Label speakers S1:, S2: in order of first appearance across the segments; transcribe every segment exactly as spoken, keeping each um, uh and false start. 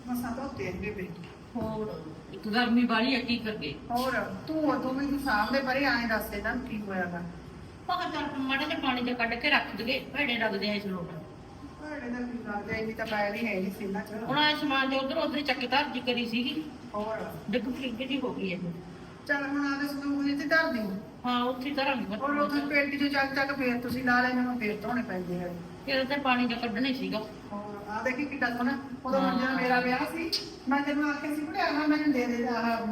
S1: ਮਸਾਂ ਧੋਤੇ ਨੇ ਬੇਬੇ।
S2: ਹੋਰ ਇੱਕ ਗਰਮੀ ਵਾਲੀ ਆ ਕੀ ਕਰਗੇ।
S1: ਹੋਰ ਤੂੰ ਉਦੋਂ ਮੈਨੂੰ ਸਾਹਮਣੇ ਪਰੇ ਆਏ ਦੱਸੇ ਨਾ ਕੀ ਹੋਇਆਗਾ।
S2: ਪਕਾ ਚੱਲ ਮਾੜੇ ਜਿਹੇ ਪਾਣੀ ਚ ਕੱਢ ਕੇ ਰੱਖ ਦਈਏ ਭੇੜੇ ਲੱਗਦੇ ਆ ਇਸ ਲੋਟ।
S1: ਭੈੜੇ ਦਾ ਕੀ ਲੱਗਦਾ ਇੰਨੀ ਤਾਂ ਪੈਰ ਹੀ ਹੈ ਨਹੀਂ ਸੀ ਨਾ ਚ।
S2: ਹੁਣ ਆ ਸਮਾਨ ਜੋ ਉਧਰ ਉਧਰ ਚੱਕ ਧਰ ਜੀ ਕਰੀ ਸੀਗੀ
S1: ਹੋਰ
S2: ਡਿੱਗ ਫਲਿੱਗ ਜੀ ਹੋ ਗਈ ਇਹ।
S1: ਚੱਲ ਹੁਣ ਆਦੇ ਸੰਦੂਕ ਜਿੱਥੇ ਧਰ ਦੀ।
S2: ਹਾਂ ਉੱਥੇ ਧਰਾਂਗੇ
S1: ਔਰ ਉਦੋਂ ਪੇਟੀ ਚੋਂ ਚੱਕ ਚੱਕ ਫੇਰ ਤੁਸੀਂ ਲਾ ਲੈਣੇ ਨੂੰ ਫੇਰ ਧੋਣੇ ਪੈਂਦੇ ਆ।
S2: ਇਹਦੇ ਤੇ ਪਾਣੀ ਚ ਕੱਢਣੇ ਸੀਗਾ।
S1: ਹੋਰ ਆ ਦੇਖੀ ਕਿੱਡਾ ਸੋਹਣਾ ਉਦੋਂ ਜਦੋਂ ਮੇਰਾ ਵਿਆਹ ਸੀ ਮੈਂ ਤੈਨੂੰ ਆਖਿਆ ਸੀ ਬੁੜਿਆ ਨਾ ਮੈਨੂੰ ਦੇ ਦੇ ਆਹ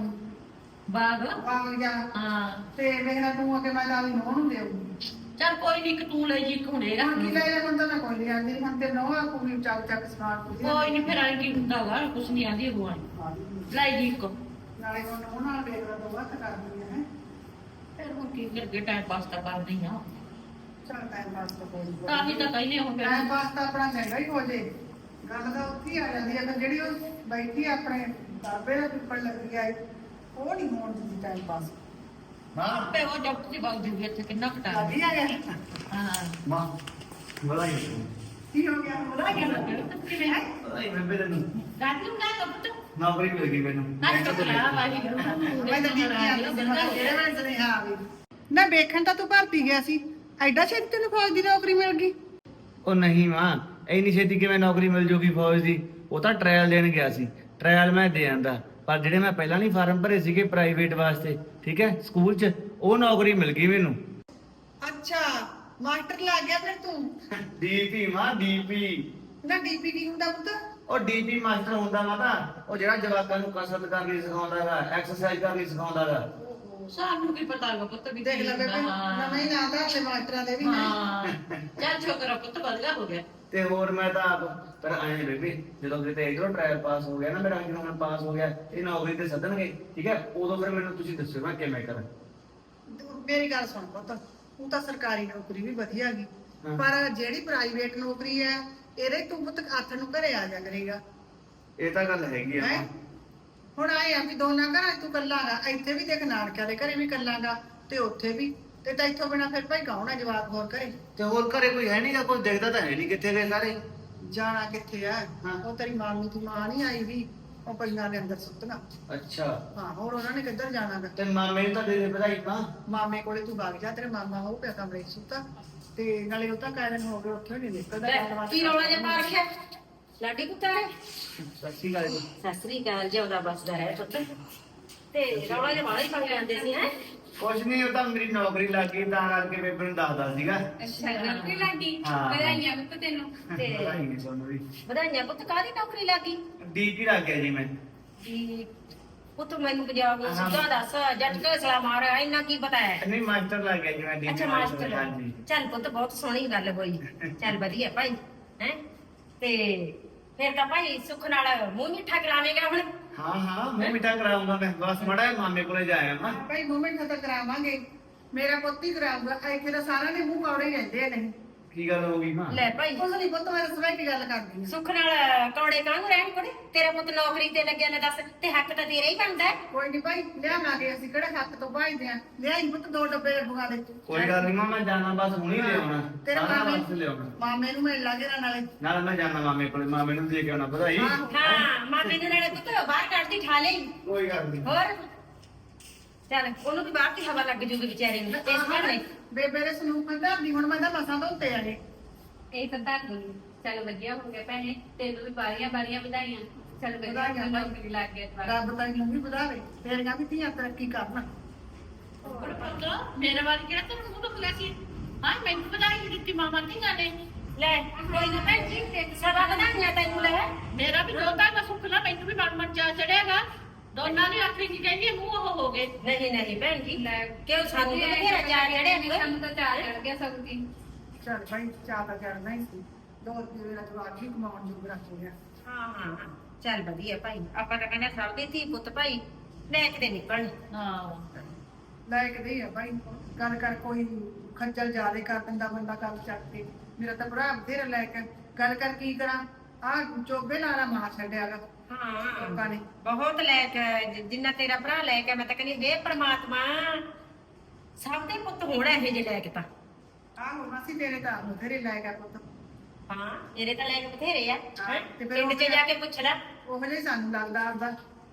S2: ਬਾਗ
S1: ਬਾਗ ਜਾ
S2: ਹਾਂ
S1: ਤੇ ਵੇਖਣਾ ਤੂੰ ਅਗੇ ਮੈਂ ਨਾਲ ਨੋਹ ਨੂੰ ਦੇਊਂਗੀ।
S2: ਚੱਲ ਕੋਈ ਨਹੀਂ ਇੱਕ ਤੂੰ ਲੈ ਜੀ ਇੱਕ ਹੁਣ ਇਹ ਰੱਖ
S1: ਹੁਣ ਕੀ
S2: ਲਈ।
S1: ਲੈ ਜਾ ਹੁਣ ਤਾਂ ਮੈਂ ਕੋਈ ਨਹੀਂ ਆਂਦੀ ਹੁਣ ਤੇ ਨੋਹ ਆ ਕੋਈ ਚੱਕ ਚੱਕ ਸਮਾਨ ਕੁਝ
S2: ਕੋਈ ਨਹੀਂ ਫਿਰ ਆਏ ਕੀ ਹੁੰਦਾ ਵਾ ਕੁਛ ਨਹੀਂ ਆਂਦੀ ਅਗਵਾਂ ਲੈ ਜੀ ਇੱਕ।
S1: ਨਾਲੇ ਹੁਣ ਨੋਹ ਨਾਲ ਵੇਖਦਾ ਤਾਂ ਵੱਖ ਕਰਦੀ ਹੈ।
S2: ਫਿਰ ਹੁਣ ਕੀ ਕਰਗੇ ਟਾਈਮ ਪਾਸ ਤਾਂ ਕਰਦੀ ਆ।
S1: ਚੱਲ ਟਾਈਮ ਪਾਸ ਤਾਂ ਕੋਈ ਨਹੀਂ।
S2: ਤਾਂ ਹੀ ਤਾਂ ਕਹਿੰਦੇ ਹੁਣ ਫਿਰ
S1: ਟਾਈਮ ਪਾਸ ਤਾਂ ਆਪਣਾ ਚੰਗਾ ਹੀ ਹੋ ਜੇ। ਗੱਲ ਤਾਂ ਉੱਥੇ ਹੀ ਆ ਜਾਂਦੀ ਹੈ ਜਿਹੜੀ ਉਹ ਬੈਠੀ ਆਪਣੇ ਦਾਬੇ ਦਾ ਪਿੱਪਲ ਲੱਗੀ ਆਈ ਉਹ ਨਹੀਂ ਹੋਣ ਦਿੰਦੀ ਟਾਈਮ ਪਾਸ।
S3: ਮਾਂ
S2: ਆਪੇ ਉਹ ਜੱਟ ਦੀ ਬਗ ਜੂਗੀ ਇੱਥੇ ਕਿੰਨਾ ਘਟਾ
S1: ਲੱਗੀ ਆ ਗਿਆ
S2: ਹਾਂ
S3: ਮਾਂ ਬਲਾਈ
S1: ਕੀ ਹੋ ਗਿਆ ਉਹਦਾ
S2: ਕੀ ਲੱਗਦਾ ਕਿਵੇਂ ਹੈ
S3: ਬਲਾਈ ਮੈਂ ਬੇਰੇ ਨੂੰ
S2: ਰਾਤ ਨੂੰ ਨਾ ਕੱਪ ਤੂੰ
S3: ਨੌਕਰੀ ਮਿਲ ਗਈ ਮੈਨੂੰ
S2: ਨਾ ਕਰਾ ਵਾਹੀ
S1: ਮੈਂ ਤਾਂ ਦੇਖੀ ਆ ਜਿਹੜੇ ਵੇਲੇ ਸੁਨੇਹਾ ਆਵੇ ਨਾ ਵੇਖਣ ਤਾਂ ਤੂੰ ਭਰਤੀ ਗਿਆ ਸੀ ਐਡਾ ਛੇਤੀ ਤੈਨੂੰ ਫੌਜ ਦੀ ਨੌਕਰੀ ਮਿਲ ਗਈ।
S3: ਉਹ ਨਹੀਂ ਮਾਂ ਇੰਨੀ ਛੇਤੀ ਕਿਵੇਂ ਨੌਕਰੀ ਮਿਲ ਜੂਗੀ ਫੌਜ ਦੀ। ਉਹ ਤਾਂ ਟ੍ਰਾਇਲ ਦੇਣ ਗਿਆ ਸੀ ਟ੍ਰਾਇਲ ਮੈਂ ਦੇ ਆਂਦਾ ਪਰ ਜਿਹੜੇ ਮੈਂ ਪਹਿਲਾਂ ਨਹੀਂ ਫਾਰਮ ਭਰੇ ਸੀਗੇ ਪ੍ਰਾਈਵੇਟ ਵਾਸਤੇ ਠੀਕ ਹੈ ਸਕੂਲ 'ਚ ਉਹ ਨੌਕਰੀ ਮਿਲ ਗਈ ਮੈਨੂੰ।
S1: ਅੱਛਾ ਮਾਸਟਰ ਲੱਗ ਗਿਆ ਫਿਰ ਤੂੰ।
S3: ਡੀਪੀ ਮਾਂ ਡੀਪੀ
S1: ਨਾ ਡੀਪੀ ਕੀ ਹੁੰਦਾ ਪੁੱਤ।
S3: ਉਹ ਡੀਪੀ ਮਾਸਟਰ ਹੁੰਦਾ ਮਾਤਾ ਉਹ ਜਿਹੜਾ ਜਵਾਕਾਂ ਨੂੰ ਕਸਰਤ ਕਰਨੀ ਸਿਖਾਉਂਦਾ ਹੈਗਾ ਐਕਸਰਸਾਈਜ਼ ਕਰਨੀ ਸਿਖਾਉਂਦਾ ਹੈਗਾ।
S2: ਸਾਨੂੰ ਕੀ ਪਤਾ ਹੈਗਾ ਪੁੱਤ ਵੀ
S1: ਦੇਖ ਲੈ ਬੇਬੇ ਨਵੇਂ ਨਾਂ ਦਾ ਤੇ ਮਾਸਟਰਾਂ ਦੇ ਵੀ ਨੇ।
S2: ਹਾਂ ਚੱਲ ਛੋਕਰਾ ਪੁੱਤ ਵਧੀਆ ਹੋ ਗਿਆ।
S3: ਤੇ ਹੋਰ ਮੈਂ ਤਾਂ ਆਪ ਪਰ ਆਏ ਬੇਬੀ ਜਦੋਂ ਕਿਤੇ ਇਧਰੋਂ ਟ੍ਰਾਇਲ ਪਾਸ ਹੋ ਗਿਆ ਨਾ ਮੇਰਾ ਜਦੋਂ ਮੈਂ ਪਾਸ ਹੋ ਗਿਆ ਇਹ ਨੌਕਰੀ ਤੇ ਸੱਦਣਗੇ ਠੀਕ ਹੈ ਉਦੋਂ ਫਿਰ ਮੈਨੂੰ ਤੁਸੀਂ ਦੱਸਿਓ ਮੈਂ ਕਿਵੇਂ ਕਰਾਂ।
S1: ਮੇਰੀ ਗੱਲ ਸੁਣ ਪੁੱਤ ਤੂੰ ਤਾਂ ਸਰਕਾਰੀ ਨੌਕਰੀ ਵੀ ਵਧੀਆ ਗਈ ਪਰ ਜਿਹੜੀ ਪ੍ਰਾਈਵੇਟ ਨੌਕਰੀ ਹੈ ਇਹਦੇ ਤੂੰ ਪੁੱਤ ਹੱਥ ਨੂੰ ਘਰੇ ਆ ਜਾ ਕਰੇਗਾ।
S3: ਇਹ ਤਾਂ ਗੱਲ ਹੈਗੀ ਆ
S1: ਹੈਂ? ਹੁਣ ਆਏ ਆ ਵੀ ਦੋਨਾਂ ਘਰਾਂ 'ਚ ਤੂੰ ਕੱਲਾਗਾ ਇੱਥੇ ਵੀ ਦੇਖ ਨਾਨਕਿਆਂ ਦੇ ਘਰੇ ਵੀ ਕੱਲਾਗਾ ਤੇ ਉੱਥੇ ਵੀ ਤੇ ਤਾਂ ਇੱਥੋਂ ਬਿਨਾ ਫਿਰ ਭਾਈ ਕੌਣ ਹੈ ਜਵਾਕ ਹੋਰ ਘਰੇ।
S3: ਤੇ ਹੋਰ ਘਰੇ ਕੋਈ ਹੈ ਨਹੀਂਗਾ ਕੋਈ ਦੇਖਦਾ ਤਾਂ ਹੈ ਨਹੀਂ ਕਿੱਥੇ ਗਏ ਸਾਰੇ।
S1: ਜਾਣਾ ਕਿੱਥੇ ਆ
S3: ਹਾਂ।
S1: ਉਹ ਤੇਰੀ ਮਾਮੀ ਦੀ ਮਾਂ ਨਹੀਂ ਆਈ ਵੀ ਉਹ ਪਈਆਂ ਦੇ ਅੰਦਰ ਸੁੱਤਣਾ।
S3: ਅੱਛਾ
S1: ਹਾਂ ਹੋਰ ਉਹਨਾਂ ਨੇ ਕਿੱਧਰ ਜਾਣਾ ਗਾ।
S3: ਤੇ ਮਾਮੇ ਨੂੰ ਤਾਂ ਦੇ ਦੇ ਵਧਾਈ ਮਾਂ।
S1: ਮਾਮੇ ਕੋਲੇ ਤੂੰ ਵਗ ਜਾ ਤੇਰੇ ਮਾਮਾ ਉਹ ਪਿਆ ਕਮਰੇ 'ਚ ਸੁੱਤਾ ਤੇ ਨਾਲੇ ਉਹ ਤਾਂ ਕਾਇ ਦਿਨ ਹੋ ਗਏ ਉੱਥੇ ਨਹੀਂ ਨਿਕਲਦਾ ਗੱਲਬਾਤ
S4: ਕੀ ਰੌਲਾ ਜਿਹਾ ਪਾ ਰੱਖਿਆ ਲਾਡੀ ਪੁੱਤਰ
S3: ਸਤਿ ਸ਼੍ਰੀ ਅਕਾਲ ਜੀ।
S4: ਸਤਿ ਸ੍ਰੀ ਅਕਾਲ ਜਿਉਂਦਾ ਬਸਦਾ ਹੈ ਪੁੱਤ ਤੇ ਰੌਲਾ ਜਿਹਾ ਵਾਲਾ ਹੀ ਪਾ ਜਾਂਦੇ ਸੀ ਹੈ
S3: ਕੁਛ ਨਹੀਂ ਉਹ ਤਾਂ ਮੇਰੀ ਨੌਕਰੀ ਲੱਗ ਗਈ ਤਾਂ ਕਰਕੇ ਬੇਬੇ ਨੂੰ ਦੱਸਦਾ ਸੀਗਾ।
S4: ਅੱਛਾ ਨੌਕਰੀ ਲੱਗੀ
S3: ਹਾਂ।
S4: ਵਧਾਈਆਂ ਪੁੱਤ ਤੈਨੂੰ ਤੇ
S3: ਵਧਾਈ ਨਹੀਂ ਤੁਹਾਨੂੰ ਵੀ।
S4: ਵਧਾਈਆਂ ਪੁੱਤ ਕਾਹਦੀ ਨੌਕਰੀ ਲੱਗੀ
S3: ਡੀਪੀ ਲੱਗ ਗਿਆ ਜੀ ਮੈਂ।
S4: ਜੀ ਪੁੱਤ ਮੈਨੂੰ ਪੰਜਾਬ ਨੂੰ
S3: ਹਾਂ।
S4: ਸਿੱਧਾ ਦੱਸ ਜੱਟ ਕੇ ਸਲਾਮ ਆ ਰਿਹਾ ਇੰਨਾ ਕੀ ਪਤਾ ਹੈ
S3: ਨਹੀਂ ਮਾਸਟਰ ਲੱਗ ਗਿਆ ਜੀ ਮੈਂ ਡੀਪੀ
S4: ਅੱਛਾ ਮਾਸਟਰ
S3: ਹਾਂਜੀ।
S4: ਚੱਲ ਪੁੱਤ ਬਹੁਤ ਸੋਹਣੀ ਗੱਲ ਹੋਈ ਚੱਲ ਵਧੀਆ ਭਾਈ ਹੈ ਤੇ ਫਿਰ ਤਾਂ ਭਾਈ ਸੁੱਖ ਨਾਲ ਮੂੰਹ ਮਿੱਠਾ ਕਰਾਵੇਂਗਾ ਹੁਣ।
S3: ਹਾਂ ਹਾਂ ਮੈਂ ਮਿੱਠਾ ਕਰਾਉਂਗਾ ਮੈਂ ਬਸ ਮੜਾ ਮਾਮੇ ਕੋਲੇ ਜਾਇਆ ਮੈਂ।
S1: ਭਾਈ ਮੂਵਮੈਂਟ ਤਾਂ ਕਰਾਵਾਂਗੇ ਮੇਰਾ ਪੁੱਤ ਹੀ ਕਰਾਊਗਾ ਇੱਥੇ ਤਾਂ ਸਾਰਿਆਂ ਦੇ ਮੂੰਹ ਕੌੜੇ ਹੀ ਰਹਿੰਦੇ ਨੇ।
S3: ਕੀ ਗੱਲ ਹੋ ਗਈ ਮਾਂ।
S4: ਲੈ ਭਾਈ
S1: ਕੁਝ ਨਹੀਂ ਪੁੱਤ ਮੈਂ ਸਵੇਰ ਕੀ ਗੱਲ ਕਰਦੀ ਹਾਂ।
S4: ਸੁੱਖ ਨਾਲ ਕੌੜੇ ਕਾਹਨੂੰ ਰਹਿਣ ਕੋੜੇ ਤੇਰਾ ਪੁੱਤ ਨੌਕਰੀ ਤੇ ਲੱਗਿਆ ਨੇ ਦੱਸ ਤੇ ਹੱਕ ਤਾਂ ਤੇਰਾ ਹੀ ਬਣਦਾ ਹੈ।
S1: ਕੋਈ ਨਹੀਂ ਭਾਈ ਲਿਆਵਾਂਗੇ ਅਸੀਂ ਕਿਹੜੇ ਹੱਥ ਤੋਂ ਭਾਈਦੇ ਆ ਲਿਆਈ ਪੁੱਤ ਦੋ ਡੱਬੇ ਬੁਗਾ ਦੇ।
S3: ਕੋਈ ਗੱਲ ਨਹੀਂ ਮਾਂ ਮੈਂ ਜਾਣਾ ਬਸ ਹੁਣੀ ਲਿਆਉਣਾ
S1: ਤੇਰੇ
S3: ਸਾਰਾ
S1: ਮਾਮੇ
S3: ਵਾਸਤੇ ਲਿਆਉਣਾ
S1: ਮਾਮੇ ਨੂੰ ਮਿਲ ਲਾਂਗੇ ਨਾ ਨਾਲੇ।
S3: ਨਾਲ ਮੈਂ ਜਾਣਾ ਮਾਮੇ ਕੋਲੇ ਮਾਮੇ ਨੂੰ ਦੇ ਕੇ ਆਉਣਾ ਵਧਾਈ।
S4: ਹਾਂ ਮਾਮੇ ਨੂੰ ਨਾਲੇ ਪੁੱਤ ਬਾਹਰ ਕੱਢਦੀ ਠਾ ਲਈ
S3: ਕੋਈ ਗੱਲ ਨਹੀਂ।
S4: ਹੋਰ ਚੱਲ ਉਹਨੂੰ ਵੀ ਬਾਹਰ ਦੀ ਹਵਾ ਲੱਗ ਜੂਗੀ ਵਿਚਾਰੇ ਨੂੰ ਇਸ ਵਾਰ ਨਹੀਂ
S1: ਬੇਬੇ ਦੇ ਸਲੂਕ ਅੰਦਰ ਦੀ ਹੁਣ ਮੈਂ ਤਾਂ ਮਸਾਂ ਧੋਤੇ ਆਏ।
S5: ਇਹ ਤਾਂ ਧਰ ਦੂੰਗੀ ਚੱਲ ਵਧੀਆ ਹੋ ਗਿਆ ਭੈਣੇ ਤੈਨੂੰ ਵੀ ਬਾਰੀਆਂ ਬਾਰੀਆਂ ਵਧਾਈਆਂ ਚੱਲ ਵਧੀਆ
S1: ਵਧਾਈਆਂ ਭਾਈ।
S5: ਨੌਕਰੀ ਲੱਗ ਗਿਆ ਤੁਹਾਡਾ
S1: ਰੱਬ ਤਾਂ ਇਹਨੂੰ ਵੀ ਵਧਾਵੇ ਤੇਰੀਆਂ ਵੀ ਧੀਆਂ ਤਰੱਕੀ ਕਰਨ।
S2: ਹੋਰ ਪੁੱਤ ਮੇਰੇ ਵਾਲੀ ਕਿਹੜਾ ਤੈਨੂੰ ਮੂੰਹ ਤੋਂ ਖੁੱਲਿਆ ਸੀ। ਹਾਂ ਮੈਨੂੰ ਵਧਾਈ ਨਹੀਂ ਦਿੱਤੀ ਮਾਮਾ ਧੀਆਂ ਨੇ।
S4: ਲੈ ਕੋਈ ਨਾ ਭੈਣ ਜੀ ਸਦਾ ਵਧਾਈਆਂ ਤੈਨੂੰ ਲੈ
S2: ਮੇਰਾ ਵੀ ਦੋਤਾ ਦਾ ਸੁੱਖ ਨਾ ਮੈਨੂੰ ਵੀ ਮਨ ਮਨ ਚਾ ਚੜਿਆਗਾ ਦੋਨਾਂ ਦੀ ਆਖਰੀ ਕੀ ਕਹਿੰਦੀ ਮੂੰਹ ਉਹ ਹੋ ਗਏ।
S4: ਨਹੀਂ ਨਹੀਂ ਭੈਣ ਜੀ
S5: ਲੈ
S4: ਕਿਉਂ ਸਾਨੂੰ ਤਾਂ ਬਥੇਰਾ ਚਾਰ ਚੜਿਆ ਨੀ
S5: ਸਾਨੂੰ ਤਾਂ ਚਾਰ ਚੜ ਗਿਆ ਸਭ ਦੀ
S1: ਚੱਲ ਭਾਈ ਚਾਹ ਤਾਂ ਕਰਨਾ ਹੀ ਸੀ ਦੋ ਰੁਪਏ ਦਾ ਜਵਾਕ ਹੀ ਕਮਾਉਣ ਜੋਗ ਰੱਖ ਲਿਆ।
S4: ਹਾਂ ਹਾਂ ਹਾਂ ਚੱਲ ਵਧੀਆ ਭਾਈ ਆਪਾਂ ਤਾਂ ਕਹਿੰਦੇ ਸਭ ਦੇ ਧੀ ਪੁੱਤ ਭਾਈ ਲੈ ਕੇ ਨਿਕਲਣ।
S2: ਹਾਂ
S1: ਲੈ ਕੇ ਦੇ ਆ ਭਾਈ ਗੱਲ ਕਰ ਕੋਈ ਖੱਜਲ ਜਾਦੇ ਕਰ ਦਿੰਦਾ ਬੰਦਾ ਗੱਲ ਚੱਕ ਕੇ ਮੇਰਾ ਤਾਂ ਭਰਾ ਬਥੇਰਾ ਲੈ ਕੇ ਗੱਲ ਕਰ ਕੀ ਕਰਾਂ ਆ ਚੋਬੇ ਲਾਲਾ ਮਾਰ ਛੱਡਿਆਗਾ।
S4: ਹਾਂ
S1: ਲੋਕਾਂ ਨੇ
S4: ਬਹੁਤ ਲੈ ਕੇ ਜਿੰਨਾ ਤੇਰਾ ਭਰਾ ਲੈ ਕੇ ਮੈਂ ਤਾਂ ਕਹਿੰਦੀ ਵੇ ਪ੍ਰਮਾਤਮਾ ਸਭ ਦੇ ਪੁੱਤ ਹੋਣਾ ਇਹ ਜੇ ਲੈ ਕੇ ਤਾਂ
S1: ਆਹੋ ਮਾਸੀ ਤੇਰੇ ਤਾਂ ਬਥੇਰੇ ਲੈ ਗਿਆ ਪੁੱਤ।
S4: ਹਾਂ ਮੇਰੇ ਤਾਂ ਲੈ ਕੇ ਬਥੇਰੇ ਆ
S1: ਹਾਂ,
S4: ਹੈਂ?
S1: ਤੇ ਫਿਰ
S4: ਪਿੰਡ
S1: ਉਹ
S4: 'ਚ ਜਾ ਕੇ ਪੁੱਛ ਲੈ
S1: ਉਹ ਜਿਹੇ ਸਾਨੂੰ ਲੱਗਦਾ ਆਪਦਾ।